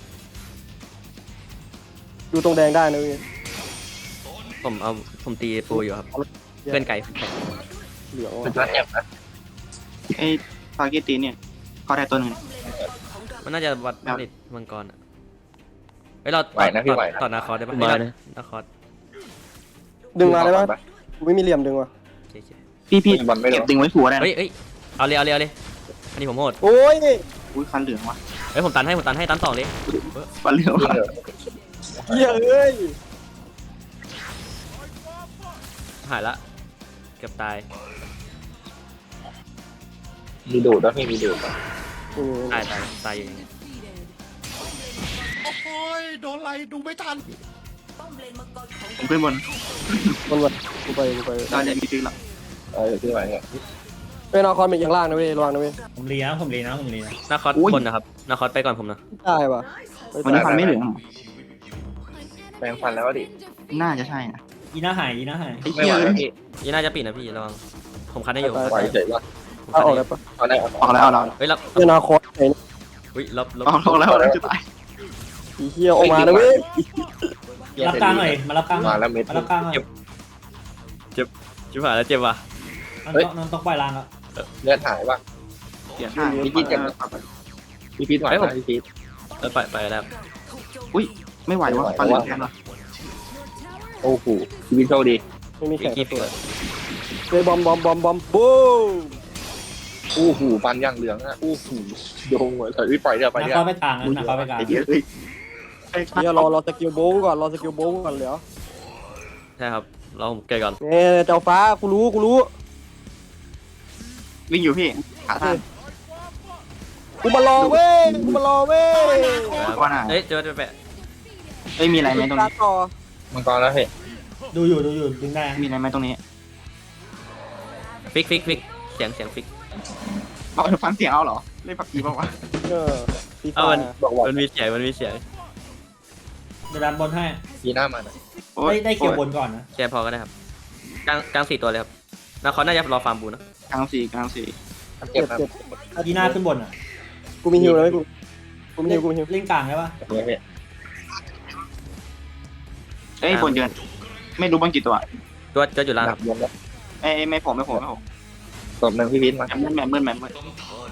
[SPEAKER 3] ดูตรงแดงได้นะเว้ย
[SPEAKER 2] ผมเอาผมตีปูอยู่ครับเพื่อนไก่เพื่อนไก่
[SPEAKER 3] เหลือง
[SPEAKER 6] เป็น
[SPEAKER 3] ว่ะ
[SPEAKER 6] ตัวเจ็บนะ
[SPEAKER 5] ไอ้ฟาเกตตีเนี่ยเขาได้ตัวหนึ่ง
[SPEAKER 2] มันน่าจะวัดผลิตมังกรอ่ะเฮ้ยเรา
[SPEAKER 6] ไหวนะพี่ไหว
[SPEAKER 2] ต่อนาคอร์ได้ปะเฮ้ยนาคอร์
[SPEAKER 3] ดึงมาได้ปะกูไม่มีเหลี่ยมดึงว่ะ
[SPEAKER 2] โอเคโอเค
[SPEAKER 5] พี่พี่
[SPEAKER 6] บอลไม่โด
[SPEAKER 5] เก็บ
[SPEAKER 6] น
[SPEAKER 5] ดึงไว้ผัวได้นะ
[SPEAKER 2] เฮ้ยเฮ้ยเอาเลยเอาเลยเอาเลยอันนี้ผมโหด
[SPEAKER 3] โอ้ย
[SPEAKER 5] อุ้ยคันเหลืองว่ะ
[SPEAKER 2] เฮ้ยผมตันให้ผมตันให้ตันสองเลย
[SPEAKER 5] คันเหลืองว่ะ
[SPEAKER 3] เหี้ยเอ้ย
[SPEAKER 2] หายละเกือบตาย
[SPEAKER 6] มีดูดแล้วพี่มีดูด
[SPEAKER 3] อืม
[SPEAKER 2] ตายตายตายอยู่อย่างเงี้ย
[SPEAKER 5] ผมขึ้นบน
[SPEAKER 3] มันวัดกูไปกูไป
[SPEAKER 5] เราจะมีฟิกละ
[SPEAKER 6] เออพี่ไหวเนี่ย
[SPEAKER 3] เป็นเอาคอนเป็นอย่างล่างนะเว้ยระวังนะเว้ย
[SPEAKER 1] ผมรีนะผมรีนะผมรีนะ
[SPEAKER 2] นาคอร์คนนะครับนาคอร์ไปก่อนผมนะ
[SPEAKER 3] ได้ป่ะ
[SPEAKER 5] วันนี้คันไม่เหลือง
[SPEAKER 6] แปลงฟันแล้วดิ
[SPEAKER 5] น่าจะใช่นะ
[SPEAKER 1] ยีน่าหายยีน่าหาย
[SPEAKER 5] ไอ้
[SPEAKER 6] ไม่
[SPEAKER 5] เหี้
[SPEAKER 6] ไห
[SPEAKER 5] ยว
[SPEAKER 6] แล้วพี่
[SPEAKER 2] ยี่น่าจะปิดนะพี่ระวังผมคันได้อยู่
[SPEAKER 6] ไหวเฉยว่า
[SPEAKER 2] ผม
[SPEAKER 3] เอา
[SPEAKER 2] คัน
[SPEAKER 3] ออก
[SPEAKER 2] ได้อ
[SPEAKER 3] ได้
[SPEAKER 2] ยู่
[SPEAKER 3] ปะ
[SPEAKER 6] เอาได้เอา
[SPEAKER 5] ออกแล้วเอาแล้ว
[SPEAKER 2] เฮ้ยรับ
[SPEAKER 3] เป็นเอาคอนไหน
[SPEAKER 2] อุ้ยรับรับ
[SPEAKER 5] ออกแล้วแล้วจะตาย
[SPEAKER 3] อีเหี้ยออกมานะเว้ย
[SPEAKER 1] รับกลางหน่อยมารับกลางหน่
[SPEAKER 6] มา
[SPEAKER 1] อย
[SPEAKER 6] แล้วเม็ด
[SPEAKER 1] มารับกลางหน่อย
[SPEAKER 2] ชิบหายแล้วเจ็บว่ะ
[SPEAKER 1] น้องต้องน้องต้องปล่อยลางแล้ว
[SPEAKER 6] เลือดหายป่ะ
[SPEAKER 5] เสียท่า
[SPEAKER 6] พี่พีทเจ็บพี่พีทไหวนะพี่พีท
[SPEAKER 2] เออไปไปแล้ว
[SPEAKER 5] อุ้ยไม่ไหวว่ะฟันเหลืองแทนว่ะ
[SPEAKER 6] โอ้โหพี่พีทโชคดี
[SPEAKER 3] ไม่มีแข่ง
[SPEAKER 2] กี่
[SPEAKER 3] ตัว
[SPEAKER 2] เปิด
[SPEAKER 3] เลยบอมบอมบอมบอมบูม
[SPEAKER 6] โอ้โหฟันย่างเหลืองอ่ะโอ้โหโดงเหมือนถอยปล่อยเดี๋ยวไป
[SPEAKER 1] นัก
[SPEAKER 6] เนี่ย
[SPEAKER 1] เข้าไปกลางนะนักเข้าไปกลาง
[SPEAKER 5] ไอ้เหี้ยเอ้ย
[SPEAKER 3] เดี๋ยวรอรอสกิลโบว์ก่อนรอสกิลโบว์ก่อนเหลียว
[SPEAKER 2] ใช่ครับเราผมเกิดก่อน
[SPEAKER 3] เนี่ยเจ้าฟ้ากูรู้กูรู้
[SPEAKER 5] วิ่งอยู่พี่ขาท่าน
[SPEAKER 3] กูมารอเว้ยกูมารอเว้ย
[SPEAKER 5] ว่าน่ะ
[SPEAKER 2] เฮ้ยเจอเจอแปะ
[SPEAKER 5] เอ้ยมีอะไรไหมตรงนี้
[SPEAKER 3] ต่อ
[SPEAKER 6] มังกรแล้วพี่
[SPEAKER 1] ดูอยู่ดูอยู่ดึงได้
[SPEAKER 5] มีอะไรไหมตรงนี้
[SPEAKER 2] ฟิกฟิกฟิกเสียงเสียงฟิก
[SPEAKER 5] เอาฟังเสียงเอาเหรอเล่นผักกีบ้างวะ
[SPEAKER 3] เออปี
[SPEAKER 2] เอา
[SPEAKER 3] ศา
[SPEAKER 2] มั
[SPEAKER 3] จ
[SPEAKER 2] น
[SPEAKER 6] บอกว่า
[SPEAKER 2] มันมีเสียงมันมีเสียง
[SPEAKER 1] เดี๋ยวดันบนให้
[SPEAKER 6] พีหน้ามัน
[SPEAKER 1] ได้ได้เกี่ยวบนก่อนนะ
[SPEAKER 2] แค่พอก็ได้ครับกลางกลางสี่ตัวเลยครับนาคอร์น่าจะรอฟาร์มบูนะ
[SPEAKER 5] กลางสี่กลางสี่
[SPEAKER 6] เจ็
[SPEAKER 3] เจ็
[SPEAKER 6] บบ ครับ
[SPEAKER 3] เจ็บ
[SPEAKER 1] ยีน่าขึ้นบนอ่ะ
[SPEAKER 3] กูมีฮิวแล้วไหมกูกูมีฮิวกูมีฮิว
[SPEAKER 1] เล่นกลางได้ปะ
[SPEAKER 6] เนี่ยพี่
[SPEAKER 5] เอ้ยบนเดือนไม่รู้บนกี่ตัว
[SPEAKER 2] ตัวตัวอยู่ล่าง
[SPEAKER 6] หนักยมแล้ว
[SPEAKER 5] เอ้ยไม่ผมไม่ผมไม่ผม
[SPEAKER 6] ศพหนึ่งพี่พีทมา
[SPEAKER 5] แมนแมนแมนแมนแมน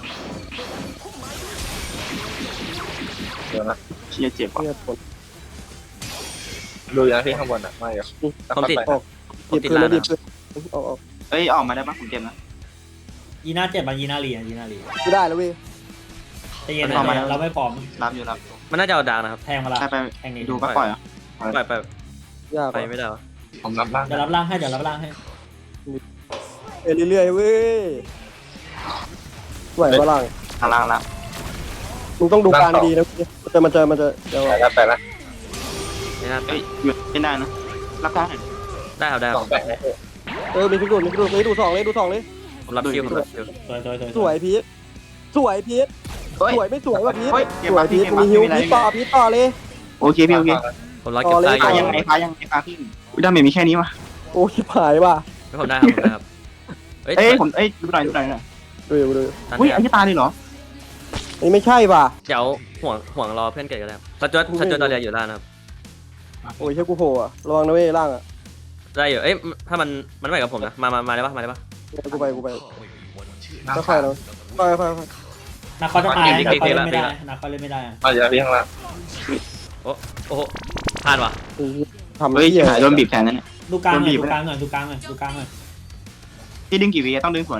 [SPEAKER 6] เดี๋ยวนะ
[SPEAKER 5] เชียเจ็บว่ะ
[SPEAKER 3] เนี่ยผล
[SPEAKER 6] ดูอย่างที่ข้างบนอ่ะไม่เหรอ
[SPEAKER 2] ผมติด
[SPEAKER 3] ออก
[SPEAKER 2] ผม
[SPEAKER 3] ดิบ
[SPEAKER 2] ติด
[SPEAKER 3] คืน
[SPEAKER 2] ล่า
[SPEAKER 3] แล้
[SPEAKER 2] ง
[SPEAKER 3] วดิบ
[SPEAKER 2] นะ
[SPEAKER 3] คืนออกออก
[SPEAKER 5] เอ้ยออกมาได้ปะผมเจ็บนะ
[SPEAKER 1] ยีน่าเจ็บมายีน่ารีอ่ะยีน่ารี
[SPEAKER 3] กูได้แล้วเว้ย
[SPEAKER 1] แต่เย็นนะเราไม่พร้อม
[SPEAKER 5] รับอยู่รับ
[SPEAKER 2] มันน่าจะเอาดาวนะครับ
[SPEAKER 1] แทงมาละ
[SPEAKER 5] ใช่ไป
[SPEAKER 1] แทงนี้
[SPEAKER 5] ดูก็ปล่อยอ่ะ
[SPEAKER 2] ไปไป
[SPEAKER 3] ยาก
[SPEAKER 2] ไปไม่ได้วะ
[SPEAKER 6] ผมรับบ้าง
[SPEAKER 1] เดี๋ยวรับล่างให้เดี๋ยวรับล่างให้
[SPEAKER 3] เอเรื่อยๆเว้ยไหวปะล่าง
[SPEAKER 5] ทางล่างละ
[SPEAKER 3] มึงต้องดูการดีนะมันจะมันจะมันจะเดี๋ยว
[SPEAKER 6] ไปแล้วไปแล้ว
[SPEAKER 2] ไม่น่า
[SPEAKER 5] เอ้ยหยุดไม่ได้นะรับได้
[SPEAKER 2] ได้ครับได้ค
[SPEAKER 6] ส
[SPEAKER 2] รั
[SPEAKER 6] อบ งแปด
[SPEAKER 3] เออมีพิกดูมีพิกดูเลยดูสองเลยดูสองเลย
[SPEAKER 2] ผมรับคิวผมรับคิว
[SPEAKER 1] สวยสวยสวย
[SPEAKER 3] สวยพีทสวยพีท
[SPEAKER 5] เฮ้ย
[SPEAKER 3] สวยไม่สวยว่ะพีท
[SPEAKER 5] เฮ้ยเก็บ
[SPEAKER 3] สว
[SPEAKER 5] มาย
[SPEAKER 3] พี
[SPEAKER 5] พี่
[SPEAKER 3] ท
[SPEAKER 5] เก็บ
[SPEAKER 3] กู
[SPEAKER 5] มา
[SPEAKER 3] มีฮิว
[SPEAKER 5] ไม่เป็นไร
[SPEAKER 3] พีทต่อพีทต่อเลย
[SPEAKER 5] โอเคพี่โอเค
[SPEAKER 2] ผมรับเก็บตายอ
[SPEAKER 5] ฟ้า
[SPEAKER 2] ยู่
[SPEAKER 5] ยังไงฟ้ายังไงฟ้าพี่อุ้ยดาเมจมีแค่นี้วะ
[SPEAKER 3] โอ้ชิบหายว่ะ
[SPEAKER 2] ไม่ผมได้ครับผมได้ครับเฮ้ย
[SPEAKER 5] เอ้ยผมเอ้ยดูหน่อยดูหน่อยหน่อย
[SPEAKER 3] ดูดูดู
[SPEAKER 2] ตัน
[SPEAKER 5] อุ้ย
[SPEAKER 2] เนี่ย
[SPEAKER 5] ไอ้ที่ตาเลยเหรอ
[SPEAKER 3] อันนี้ไม่ใช่ว่ะ
[SPEAKER 2] เดี๋ยวห่วงห่วงรอเพื่อนเกิดกันแล้วสจวตสจวตตอนเรียนอยู่ล่างนะครับ
[SPEAKER 3] โอ้ยเชื่อกูโผล่อะระวังนะเว้ยล่างอะ
[SPEAKER 2] ได้อยู่เอ้ยถ้ามันมันไม่กับผมนะมามามาได้ปะมาได้ปะ
[SPEAKER 3] กูไปกูไปค่อยๆนะค่อยๆค่อย
[SPEAKER 1] นักเขาจะตายนักเขาเล่นไม่ได้นักเขาเล่นไม่ได้
[SPEAKER 6] เอาอย่าพี่ข้างล่าง
[SPEAKER 2] โอ้โอ้โหพลาดว่ะ
[SPEAKER 3] ๆทำ
[SPEAKER 5] เฮ้ย
[SPEAKER 3] เหี้ย
[SPEAKER 5] หายโดนบีบแทนนั่นเนี่ย
[SPEAKER 1] ดูกลางหน่อยดูกลางหน่อยดูกลางหน่อยดูกลางหน่อย
[SPEAKER 5] ที่ดึงกี่วีต้องดึงสวน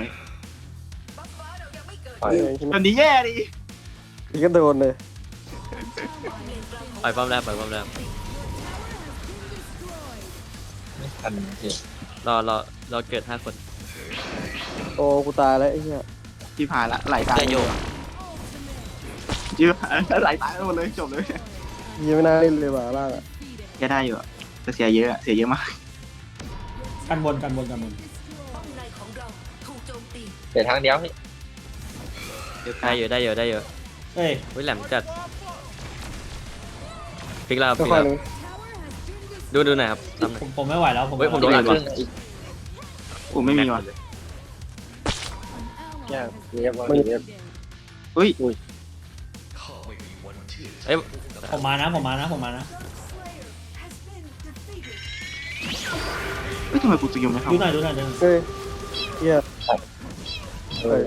[SPEAKER 6] ปล่อย
[SPEAKER 5] แบบนี้แย่ดิ
[SPEAKER 3] พี่ก็โดนเลย
[SPEAKER 2] ปล่อยป้อมแรกปล่อยป้อมแรก
[SPEAKER 6] ทันพี่
[SPEAKER 2] รอรอรอเกิดห้าคน
[SPEAKER 3] โอ้กูตายแล้วไอ้เหี้ย
[SPEAKER 5] ที่ผ่านละไหลตาย
[SPEAKER 2] ได้โย
[SPEAKER 5] ยืดไหลตายหมดเลยจบเลย
[SPEAKER 3] ยี่ไม่น่าเล่นเลยว่ะล่างอะ
[SPEAKER 5] แค่ได้อยู่แต่เสียเยอะเสียเยอะมาก
[SPEAKER 1] กันบนกันบนกันบน
[SPEAKER 6] เดี๋ยวทางเดียวพี่
[SPEAKER 2] ได้อยู่ได้อยู่ได้อยู่
[SPEAKER 1] เอ้ย
[SPEAKER 2] วิแหลมจัดฟิกแล้ว
[SPEAKER 3] ค่
[SPEAKER 2] ฟิก
[SPEAKER 3] อย
[SPEAKER 2] แล้ว
[SPEAKER 3] ๆนึง
[SPEAKER 2] ดูดูหน่อยครับทำหน่อย
[SPEAKER 1] ผมผมไม่ไหวแล้วผม
[SPEAKER 2] เฮ้ยผมโดนอัดว่ะ
[SPEAKER 5] ผมไม่มีว่ะ
[SPEAKER 6] ยากเรียบว่าเรียบ
[SPEAKER 5] อุ้ย
[SPEAKER 2] เอ้ย
[SPEAKER 1] ผมมานะผมมานะผมมานะ
[SPEAKER 5] เฮ้ยทำไมกูสกิลไม่เข้า
[SPEAKER 1] ดูหน่อยดูหน่อยดูหน่อย
[SPEAKER 3] เฮ้ยเฮีย
[SPEAKER 6] เออ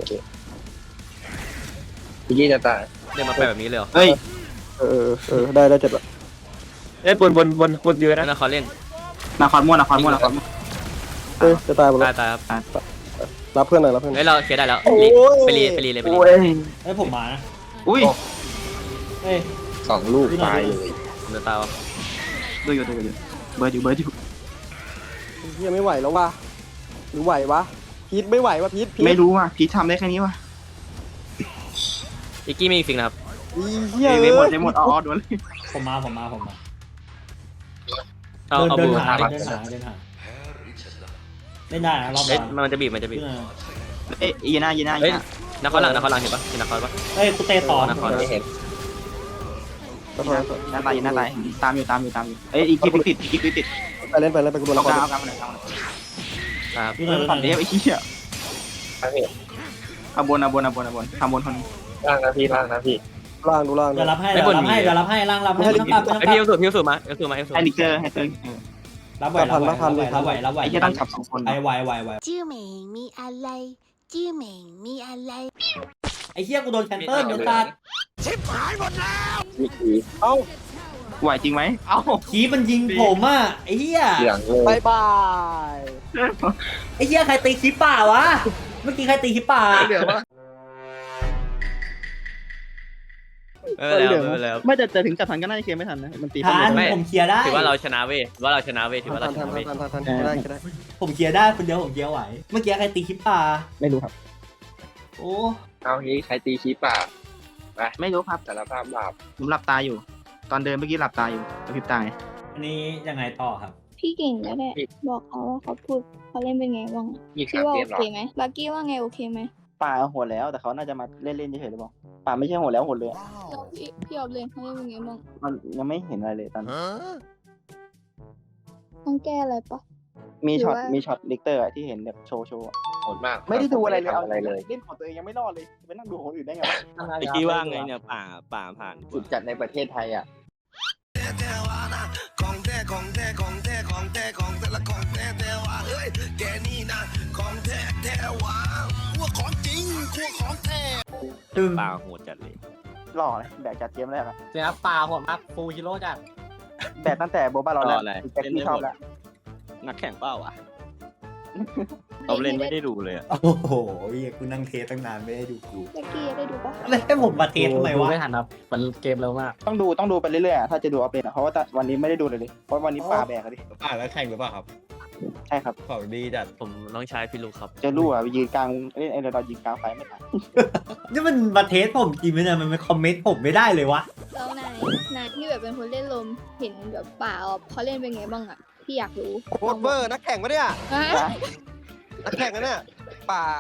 [SPEAKER 6] พี่กี้จะตาย
[SPEAKER 2] เดินมาไปแบบนี้เลยเหรอ
[SPEAKER 5] เฮ้ย
[SPEAKER 3] เออเออเออได้ได้เจ็บละ
[SPEAKER 8] เอ้ยบนบนบนบนเยอะ
[SPEAKER 2] แล้ว
[SPEAKER 8] นะ
[SPEAKER 2] นะเขาเล่น
[SPEAKER 5] นาคอนม่วนนาคอนม่วนนาคอนม่วน
[SPEAKER 3] เฮ้ยจะตายหมด
[SPEAKER 2] ตา
[SPEAKER 3] แล้
[SPEAKER 2] ยว ตายครับ
[SPEAKER 3] รับเพื่อนหน่อยรับเพื่อน
[SPEAKER 2] เฮ้ยเราเคลียร์ได้แล้วรีไปรีไปรีเลยไปรี
[SPEAKER 1] เฮ้ยผมมานะ
[SPEAKER 5] อุ้ย
[SPEAKER 1] เฮ้ย
[SPEAKER 6] สองลูกตายเลย
[SPEAKER 2] ผมจะตายวะ
[SPEAKER 5] ดูอยู่ดูอยู่เบิร์ดอยู่เบิร์ดอยู่
[SPEAKER 3] เฮียไม่ไหวแล้วว่ะหรือไหววะพีทไม่ไหววะพีทพีท
[SPEAKER 5] ไม่รู้ว่ะพีททำได้แค่นี้ว่ะ
[SPEAKER 2] อีกกี้มีอีกฟิงนะครับ
[SPEAKER 3] อีเฮีย
[SPEAKER 5] ไม่
[SPEAKER 3] เอ้
[SPEAKER 5] หมด
[SPEAKER 3] ย
[SPEAKER 5] ไม่หมดอ๋อโดนเลย
[SPEAKER 1] ผมมาผมมาผมมา
[SPEAKER 2] เอา
[SPEAKER 1] เดิน
[SPEAKER 2] เอา
[SPEAKER 1] เดิ
[SPEAKER 2] บู
[SPEAKER 1] นหาเดินหาเดินหาเล่นได้นะรอบ
[SPEAKER 2] เอ้ย
[SPEAKER 1] หลัง
[SPEAKER 2] มันจะบีบมันจะบีบ
[SPEAKER 5] เอ้ยยีน่ายีน่า
[SPEAKER 2] เฮ้ย
[SPEAKER 5] ยีน่า
[SPEAKER 2] นักคอนหลังนักคอนหลังเห็นปะเห็นนักคอนปะ
[SPEAKER 1] เฮ้ยกูเตะต่อ
[SPEAKER 2] นักคอน
[SPEAKER 6] ไม่เห็น
[SPEAKER 3] ขอโทษขอโทษ
[SPEAKER 5] ยีน่าตายยีน่าตายตามอยู่ตามอยู่ตามอยู่เอ้ยอีกกิ๊บติดอีกกิ๊บติด
[SPEAKER 3] ไปเล่นไปเล่นไปกูโดน
[SPEAKER 5] เอา
[SPEAKER 3] ละค
[SPEAKER 5] ก
[SPEAKER 3] ร
[SPEAKER 5] ลางเอากลางมาหน่อยเอากลางมาหน่อย
[SPEAKER 2] ครับ
[SPEAKER 1] ดูหน่อยดูห
[SPEAKER 5] ฝั่
[SPEAKER 1] น่
[SPEAKER 5] ง
[SPEAKER 1] อย
[SPEAKER 5] เดียวไอ้เหี้ย
[SPEAKER 6] ทางเห็น
[SPEAKER 5] เอาบนเอาบนเอาบนเอาบนทำบนคนนี้
[SPEAKER 6] ล่างนะพี่ล่างนะพี่
[SPEAKER 3] ล่างดูล่าง
[SPEAKER 1] เดี๋ยวรับให้เดี๋ยวรับให้เดี๋ยวรับให้ล่างรับให้ต้องกลับต้อง
[SPEAKER 2] ไอก
[SPEAKER 1] ลั
[SPEAKER 2] พี่
[SPEAKER 1] บ
[SPEAKER 2] เอาสูตรพี่เอาสูตรมาเอาสูตรมาเอาสูตร
[SPEAKER 5] ไอ้ลิกเกอร์ให้เติร์
[SPEAKER 1] รับไหวรับไหวรับไหวรับไหว
[SPEAKER 5] ไอ้เหี้ยต้องจับสองคน
[SPEAKER 1] ไอ้ไหวไหวไหว
[SPEAKER 4] ชื่อเหม่งมีอะไรชื่อเหม่งมีอะไร
[SPEAKER 1] ไอ้เหี้ยกูโดนแคนเซิลเดี๋ยวตัด
[SPEAKER 6] วิธี
[SPEAKER 3] เอ้า
[SPEAKER 5] ไหวจริงไหมเอ้า
[SPEAKER 1] ขีมันยิงผมอ่ะไอ้เหี้ย
[SPEAKER 6] เหลืองเลย
[SPEAKER 3] บายบาย
[SPEAKER 1] ไอ้เหี้ยใครตีคลิปป่าวะเมื่อกี้ใครตีคลิปป่า
[SPEAKER 3] เดี๋ยววะ
[SPEAKER 2] ไม่เป็นไรไม่เป็นไร
[SPEAKER 5] ไม่แต่แต่ถึงจับทันก็น่าจะเคลียร์ไม่ทันนะมันตี
[SPEAKER 1] ทันผมเคลียร์ได้
[SPEAKER 2] ถือว่าเราชนะเว้ยถือว่าเราชนะเว้ยถือว่า
[SPEAKER 3] ทั
[SPEAKER 2] เรา
[SPEAKER 3] น
[SPEAKER 2] ช
[SPEAKER 3] ทัน
[SPEAKER 2] นะเว้ย
[SPEAKER 3] ทันทันทันทันได้ก็ได้
[SPEAKER 1] ผมเคลียร์ได้คนเดียวผมเคลียร์ไหว เมื่อกี้ใครตีคลิปป่า
[SPEAKER 5] ไม่รู้ครับ
[SPEAKER 1] โอ้
[SPEAKER 6] เอางี้ใครตีคีป่าไป
[SPEAKER 5] ไม่รู้ครับ
[SPEAKER 6] สารภาพบาป
[SPEAKER 5] ผมหลับตาอยู่ ตอนเดินเมื่อกี้หลับตาอยู่กระพริบตา
[SPEAKER 1] อันนี้ยังไงต่อครับ
[SPEAKER 4] พี่เก่งก็ได้บอกเขาว่าเขาพูดเขาเล่นเป็นไงบ้าง
[SPEAKER 6] ยี่
[SPEAKER 4] พี่
[SPEAKER 6] สาม
[SPEAKER 4] ว่า
[SPEAKER 6] เก
[SPEAKER 4] โอ
[SPEAKER 6] มหรอ
[SPEAKER 4] เคไหมบักกี้ว่าไงโอเคไหม
[SPEAKER 5] ป่าโหดแล้วแต่เขาน่าจะมาเล่นเล่นเฉยๆหรือเปล่าป่าไม่ใช่โหดแล้วโหดเลย
[SPEAKER 4] แล้วพี่พี่ออฟเลนเขาเล่นเป็นไงบ้าง
[SPEAKER 5] มันยังไม่เห็นอะไรเลยตอน
[SPEAKER 4] ต้องแก้อะไรปะ
[SPEAKER 5] มีช็อต
[SPEAKER 4] หรือว่ามี
[SPEAKER 5] มีช็อตลิกเตอร์ที่เห็นแบบโชว์โชว์
[SPEAKER 6] โหดมาก
[SPEAKER 5] ไม่ได้ดูอะไรเลย
[SPEAKER 6] ทำอะไรเลย
[SPEAKER 5] เล่นของตัวเองยังไม่รอดเลยไปนั่งดูของอื่นได้ไง
[SPEAKER 9] ไอ้กี้ว่าไงเนี่ย
[SPEAKER 5] ป่าป่าผ่าน
[SPEAKER 6] สุดจัดในประเทศไทยอ่ะ
[SPEAKER 1] ตึง
[SPEAKER 2] ป่าโหดจัดเลย
[SPEAKER 5] หล่อเลยแบกจัดเกมแรกอะ
[SPEAKER 9] เสียปลาหัวมากฟูฮิโร่จัด
[SPEAKER 5] แบกตั้งแต่โบบ้าเราแล้วแจ็คที่ชอบแล้ว
[SPEAKER 2] นักแข่งเป้าอ่ะ
[SPEAKER 4] เขาเล่นไม่ได้ดู
[SPEAKER 1] โอ้โหเหี้ยกูนั่งเทสตั้งนานไม่ได้ดูกู
[SPEAKER 4] บักกี้ได้ดูปะ
[SPEAKER 1] แล้วให้ผมมาเทสทำไม
[SPEAKER 9] ดู
[SPEAKER 1] วะ
[SPEAKER 9] ไม่ทันครับมันเกมเร็วมาก
[SPEAKER 5] ต้องดูต้องดูไปเรื่อยๆอะถ้าจะดูเอาเป็นอะเพราะว่าวันนี้ไม่ได้ดูเลยเลยเพราะวันนี้ป่าแบกอะดิ
[SPEAKER 8] อ่าแล้วแข่งหรือเปล่าครับ
[SPEAKER 5] ใช่ครับ
[SPEAKER 8] ของดีจัด
[SPEAKER 2] ผมน้องชายพี่ลูกครับ
[SPEAKER 5] จะรู้อะยืนกลางเล่นไอ้เรายืนกลางไฟไม่ทัน
[SPEAKER 1] นี่มันมาเทสผมจริงไหมเนี่ยมันไม่คอมเมนต์ผมไม่ได้เลยวะ
[SPEAKER 4] แล้วนายนายที่แบบเป็นคนเล่นลมเห็นแบบป่าออฟเขาเล่นเป็นไงบ้างอะพี่อยากรู้
[SPEAKER 3] โคตรเวอร์นักแข่งปะเนี่ย
[SPEAKER 4] ฮะ
[SPEAKER 3] นักแข่งนะเนี่ยป่า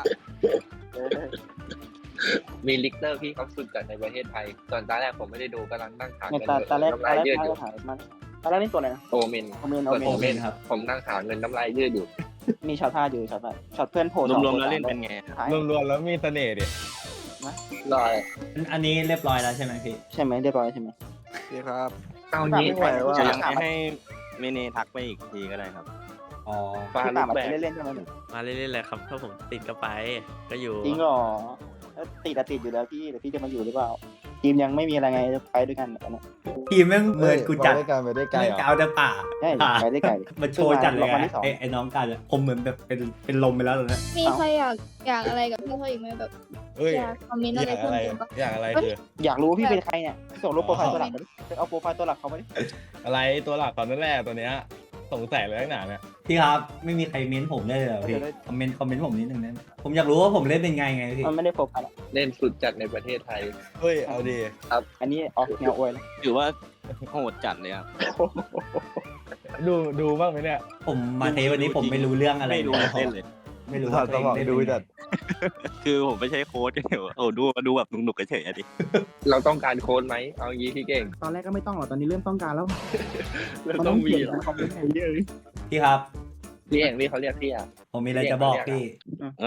[SPEAKER 6] มีลิกเตอร์พี่เขาสุดจัดในประเทศไทย ตอนตอนแรกผมไม่ได้ดูกำลังนั่งถาม
[SPEAKER 5] เนี่ย
[SPEAKER 6] กัน
[SPEAKER 5] ตาตาแรก
[SPEAKER 6] น้ำ
[SPEAKER 5] ตา
[SPEAKER 6] ลาย
[SPEAKER 5] แรก
[SPEAKER 6] ยืดอ
[SPEAKER 5] ตา
[SPEAKER 6] ยู่
[SPEAKER 5] ถ่ายมันตาแรกนี่ตัวอะไรนะ
[SPEAKER 6] โอเมน
[SPEAKER 5] โอเมนโอ
[SPEAKER 6] เปิด
[SPEAKER 5] เม
[SPEAKER 6] โอเม
[SPEAKER 5] น
[SPEAKER 6] นครับ ผมนั่งถามเงินน้ำลายยืดอยู่
[SPEAKER 5] มีช็อตท่าอยู่ช็อตท่าช็อตเพื่อนโผล่
[SPEAKER 2] รวมๆแล้วเล่นเป็นไง
[SPEAKER 5] ท้าย
[SPEAKER 8] รวมๆแล้วมีเสน่ห์ดิ
[SPEAKER 6] รอย
[SPEAKER 1] อันนี้เรียบร้อยแล้วใช่ไหมพี่
[SPEAKER 5] ใช่ไหมเรียบร้อยใช่ไหม
[SPEAKER 3] นี่ครับ
[SPEAKER 6] เอางี้
[SPEAKER 3] ไม่ไหวว่ะ
[SPEAKER 5] จะยังไงให้
[SPEAKER 2] เมเนทักไปอีกทีก็ได้ครับ
[SPEAKER 1] อ๋อ
[SPEAKER 6] ปลา
[SPEAKER 5] พี่
[SPEAKER 6] ลู
[SPEAKER 5] ป่าก มา
[SPEAKER 6] แบก
[SPEAKER 5] เล่นๆใช่ไหม
[SPEAKER 2] มาเรื่อยๆเลยครับถ้าผมติดก็ไปก็อยู่
[SPEAKER 5] จริงเหรอติดอะติดอยู่แล้วพี่เดี๋ยวพี่จะมาอยู่หรือเปล่าทีมยังไม่มีอะไรไงจะไปด้วยกันแบบนั้น
[SPEAKER 1] ทีมแม่งเหมือนกูจัด
[SPEAKER 8] ไปด้วยกันไปด้วยกัน
[SPEAKER 1] แม่ง
[SPEAKER 8] เหรอ
[SPEAKER 1] กาวแต่ป่า
[SPEAKER 5] ใช่ไปได้ไกล
[SPEAKER 1] มันโชว์จัดเลย
[SPEAKER 5] วัน
[SPEAKER 1] อะ
[SPEAKER 5] ที่สอง
[SPEAKER 1] ไอ้ไอ้น้องกันอะผมเหมือนแบบเป็นเป็นลมไปแล้วตอนนี้
[SPEAKER 4] มีใครอยากอยากอะไรกับพี่เขาอีกไหมแบบ
[SPEAKER 8] เอ้ย
[SPEAKER 4] อยากคอมเมนต์
[SPEAKER 8] อ
[SPEAKER 4] อะไร
[SPEAKER 8] ยาก
[SPEAKER 4] เพิ่
[SPEAKER 8] อะ
[SPEAKER 4] ม
[SPEAKER 8] ไร
[SPEAKER 4] เติมปะ
[SPEAKER 8] อยากอะไรคือ
[SPEAKER 5] อยากรู้ว่าพี่เป็นใครเนี่ยส่งรูปโปรไฟล์ตัวหลักมาดิเอาโปรไฟล์ตัวหลักเขามาดิ
[SPEAKER 8] อะไรตัวหลักตอนนั้นแหละตัวเนี้ยสงสัยเลยตั้งนานเนี่ย
[SPEAKER 1] พี่ครับไม่มีใครเม้นผมได้เลยเหรอพี่คอมเมนต์คอมเมนต์ผมนิดนึงนะผมอยากรู้ว่าผมเล่นเป็นไงไงพี่
[SPEAKER 5] มันไม่ได้โปรไฟล์
[SPEAKER 6] เล่นสุดจัดในประเทศไทย
[SPEAKER 8] เฮ้ยเอาดี
[SPEAKER 5] อันนี้ออกแนวอวยนะ
[SPEAKER 2] ถือว่าโหดจัดเลยครับ
[SPEAKER 8] ดูดูบ้างไหมเนี่ย
[SPEAKER 1] ผมมาเทสวันนี้ผมไม่รู้เรื่องอะไร
[SPEAKER 2] ไม่รู้เล่นเลย
[SPEAKER 1] ไม่รู้
[SPEAKER 8] ถอ
[SPEAKER 1] ว่า
[SPEAKER 8] ด
[SPEAKER 1] ตัว
[SPEAKER 8] ส
[SPEAKER 1] เอง
[SPEAKER 8] มอง
[SPEAKER 1] เล่น
[SPEAKER 8] ดู
[SPEAKER 1] เป็นไง
[SPEAKER 8] จัด
[SPEAKER 5] คือผมไม่ใช่โค้ชเดี๋ยวโอ้ดูดูแบบหนุกๆเฉยๆอะดิ
[SPEAKER 6] เราต้องการโค้ดไหมเอางี้พี่เก่ง
[SPEAKER 3] ตอนแรกก็ไม่ต้องหรอกตอนนี้เริ่มต้องการแล้ว
[SPEAKER 6] เราต้องมีเหรอ
[SPEAKER 3] คอมเมนต์เยอะเลย
[SPEAKER 1] พี่ครับ
[SPEAKER 6] พี่เองพี่เขาเรียกพี่อ่ะ
[SPEAKER 1] ผมมีอะไรจะบอกพี่
[SPEAKER 5] อะ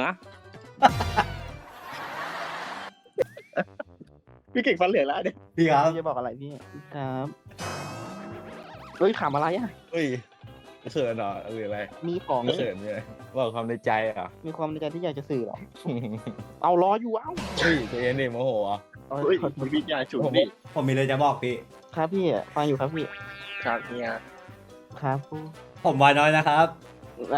[SPEAKER 3] พี่เก่งฟันเหลืองแล้วเนี่ย
[SPEAKER 1] พี่ครับ
[SPEAKER 3] พี่จะบอกอะไรพี่ครับเฮ้ยขำอะไรอ่ะ
[SPEAKER 8] เฮ้ยเขินเหรอหรืออะไร
[SPEAKER 3] มีของ
[SPEAKER 8] เขินเลยบอกความในใจเหรอ่ะ
[SPEAKER 3] มีความในใจที่อยากจะสื่อหรอ เอาล้ออยู่เอ้า
[SPEAKER 8] เฮ้ยใจเย็นดิโมโหอ่ะ
[SPEAKER 6] เฮ้ยมันวิทยาฉุนดิ
[SPEAKER 1] ผมมีอะไรจะบอกพี่
[SPEAKER 3] ครับพี่ฟังอยู่ครับพี่
[SPEAKER 6] ครับเนี่ย
[SPEAKER 3] ครับ
[SPEAKER 1] ผมวายน้อยนะครับ
[SPEAKER 3] นะ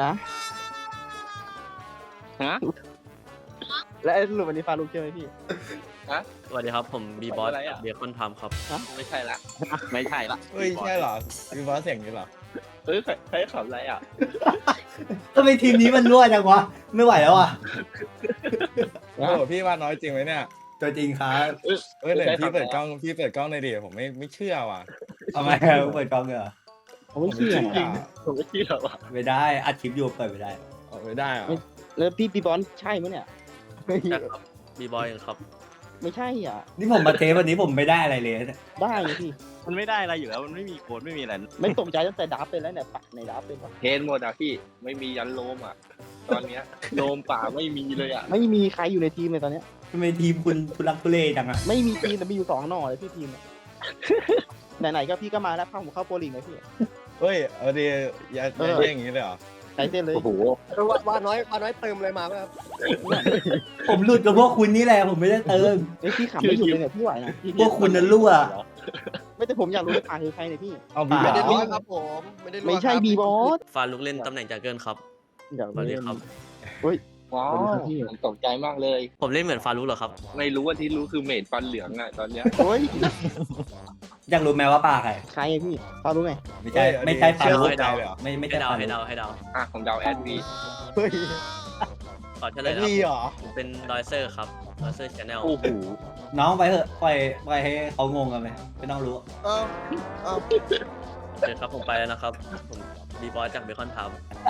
[SPEAKER 5] ฮะ
[SPEAKER 3] และสรุปวันนี้ฟารุกใช่ไหมพี่
[SPEAKER 2] สวัสดีครับผมบีบอสเบียคอนทำครับ
[SPEAKER 6] ไม่ใช่ละ
[SPEAKER 5] ไม่ใช่ละ
[SPEAKER 8] เฮ้ยใช่เหรอมีบอสเสียงนี้เหรอ
[SPEAKER 6] เฮ้ยใครใครขับอะไรอ่ะ
[SPEAKER 1] ทำไมทีมนี้มันรั่วจังวะ ไม่ไหวแล้วอ่ะ
[SPEAKER 8] โอ้โหพี่ว่าน้อยจริงไหมเนี่ย
[SPEAKER 1] ตัวจริงครับ
[SPEAKER 8] เอ้ยเดี๋ยวพี่เปิดกล้องพี่เปิดกล้องในอยดิผมไม่ไม่เชื่อว่ะ
[SPEAKER 1] ทำไมเปิดกล้องเหรอ
[SPEAKER 3] ผมไม่เชื่อ
[SPEAKER 8] จริง
[SPEAKER 6] ผมไม่เชื่อว่ะ
[SPEAKER 1] ไม่ได้อัดคลิปอยู่เปิดไม่ได้
[SPEAKER 8] เอาไม่ได้เหรอ
[SPEAKER 3] แล้วพี่ปีบอลใช่ไหมเนี่ย
[SPEAKER 2] ใช่ครับบีบอยครับ
[SPEAKER 3] ไม่ใช่อ่ะ
[SPEAKER 1] นี่ผมมาเทปวันนี้ผมไม่ได้อะไรเลยเนี่ย
[SPEAKER 3] ได้ไงพี่
[SPEAKER 5] มันไม่ได้อะไรอยู่แล้วมันไม่มีโค้ดไม่มีอะไร
[SPEAKER 3] ไม่ตกใจตั้งแต่ดับเป็นแล้วเนี่ยปักในดับเป็นปะ
[SPEAKER 6] เทนหมดอ่ะพี่ไม่มียันโลมอ่ะ ตอนเนี้ยโลมป่าไม่มีเลยอ่ะ
[SPEAKER 3] ไม่มีใครอยู่ในทีมเลยตอนเนี้ย
[SPEAKER 1] ทำไมทีมคุณทุลักทุเลจังอ่ะ
[SPEAKER 3] ไม่มีทีมแต่มีอยู่สองหน่อเลยพี่ทีมอะ ไหนๆก็พี่ก็มาแล้วเข้าผมเข้าโปรลิงเลยพี่
[SPEAKER 8] เฮ้ยเอาดีอย่าอย่าเรียกอย่างนี้เลยเหรอ
[SPEAKER 3] ใส่เส้นเลย
[SPEAKER 6] โอ้โห
[SPEAKER 3] ว่าน้อยว่าน้อยเติมเลยมาครับ
[SPEAKER 1] ผมหลุดกับพวกคุณนี่แหละผมไม่ได้เติม
[SPEAKER 3] ไอ้ยพี่ขำไม่หยุดเลยเนี่ยพี่ไหวนะ
[SPEAKER 1] พวกคุณนั้นรั่ว
[SPEAKER 3] ไม่แต่ผมอยากรู้ว่าผ่านคือใครเนี่ยพี่
[SPEAKER 8] เอาบีบอ
[SPEAKER 1] ไม่
[SPEAKER 8] ส
[SPEAKER 1] ได้
[SPEAKER 3] รั่วครับผมไม่ใช่บีบอส
[SPEAKER 2] ฟาลุกเล่นตำแหน่งจากเกินครับ
[SPEAKER 3] อยาก
[SPEAKER 2] สวัสดีครับ
[SPEAKER 6] ว้าวผมตกใจมากเลย
[SPEAKER 2] ผมเล่นเหมือนฟาลุกเหรอครับ
[SPEAKER 6] ไม่รู้ว่าที่รู้คือเมดฟันเหลืองอ่ะตอนเนี้ย
[SPEAKER 3] โอ้ย
[SPEAKER 1] อยากรู้ไหมว่าปลาใคร
[SPEAKER 3] ใครอะพี่พอรู้ไหม
[SPEAKER 1] ไม่ใช่ไม่ใช่ปลา
[SPEAKER 8] เชื่อ
[SPEAKER 1] ลูก
[SPEAKER 8] ไม่ได้เลยเหรอ
[SPEAKER 1] ไม่ไม่
[SPEAKER 2] ให้
[SPEAKER 1] ใช่ป
[SPEAKER 2] เดา
[SPEAKER 1] ลา
[SPEAKER 2] ให้
[SPEAKER 1] ลู
[SPEAKER 2] เดาก ให้เดา
[SPEAKER 6] อ่ะผมเดาแอดวี
[SPEAKER 3] เฮ้ย
[SPEAKER 2] ขอเฉล
[SPEAKER 8] แล้
[SPEAKER 2] ยว นะครับ
[SPEAKER 8] นี่เหรอ
[SPEAKER 2] ผมเป็นดอยเซอร์ครับดอยเซอร์ชาแนล
[SPEAKER 6] โอ้โห
[SPEAKER 1] น้องไปเถอะปล่อยปล่อยให้เขางงกันไหมไม่ต้องรู้
[SPEAKER 2] โอเคครับผมไปแล้วนะครับ ผมบีบอสจากเบคอนท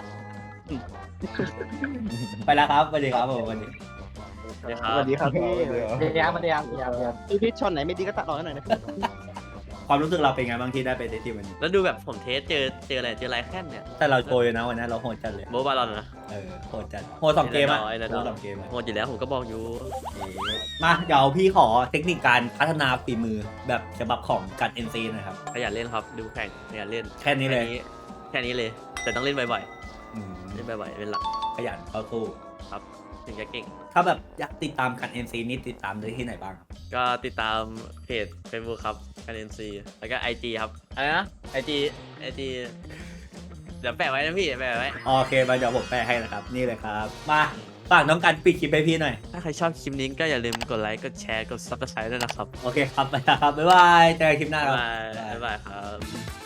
[SPEAKER 1] ไปแล้วครับสวัสดีครับผมสวัสดี
[SPEAKER 2] ำสวัสดีครั
[SPEAKER 3] ส
[SPEAKER 2] บ
[SPEAKER 3] วัสดีครับพี่
[SPEAKER 8] เดี๋ยว
[SPEAKER 9] เดี๋ยวมาเดี๋ยวเดี๋ยวเดี๋ยว
[SPEAKER 3] พี่พิชช็อตไหนไม่ดีก็ตัดออกให้หน่อยนะพี่
[SPEAKER 1] ความรู้สึกเราเป็นไงบางที่ได้ไปเทสทีมวันนี้
[SPEAKER 2] แล้วดูแบบผมเทสเจอเจออะไรเจอไรแค่นเนี่ย
[SPEAKER 1] แต่เราโชยนะวันนั้นเราโหดจัดเลย
[SPEAKER 2] โบบาลอนนะ
[SPEAKER 1] เออโหดจัดโหดสองเกมอะ
[SPEAKER 2] ไอ้นั่น
[SPEAKER 1] โห
[SPEAKER 2] น้อย
[SPEAKER 1] ดสองเกมอะ
[SPEAKER 2] โหดอยู่แล้วผมก็บอกอยู่
[SPEAKER 1] มาเดี๋ยวพี่ขอเทคนิคการพัฒนาฝีมือแบบฉบับของกัด เอ็น ซี หน่อยครับ
[SPEAKER 2] ขยันเล่นครับ ดูแข่งขยันเล่น
[SPEAKER 1] แค่นี้เลย
[SPEAKER 2] แค่นี้เลย แต่ต้องเล่นบ่อย
[SPEAKER 1] อืม
[SPEAKER 2] ๆเล่นบ่อยๆเป็นหลัก
[SPEAKER 1] ขยันเข้าสู้
[SPEAKER 2] ครับ ถึงจะเก่ง
[SPEAKER 1] ถ้าแบบอยากติดตามกัด เอ็น ซี นี่ติดตามได้ที่ไหนบ้างครับ
[SPEAKER 2] ก็ติดตามเพจ Facebook ครับ k เ n นซีแล้วก็ ไอ จี ครับอะไรนะ ไอ จี ไอ จี เดี๋ยวแปะไว้นะพี่แปะไว้
[SPEAKER 1] โอเคมาเดี๋ยวผมแปลให้นะครับ นี่เลยครับ มาฝากน้องกันปิดคลิปให้พี่หน่อย
[SPEAKER 2] ถ้าใครชอบคลิปนี้ก็อย่าลืมกดไลค์ กดแชร์ กด Subscribe ด้วยนะครับ
[SPEAKER 1] โอเคครับไปแล้วครับ บ๊ายบายเจอกันคลิปหน้า
[SPEAKER 2] บ๊าย
[SPEAKER 1] ครับ
[SPEAKER 2] บายบ๊ายบายครับ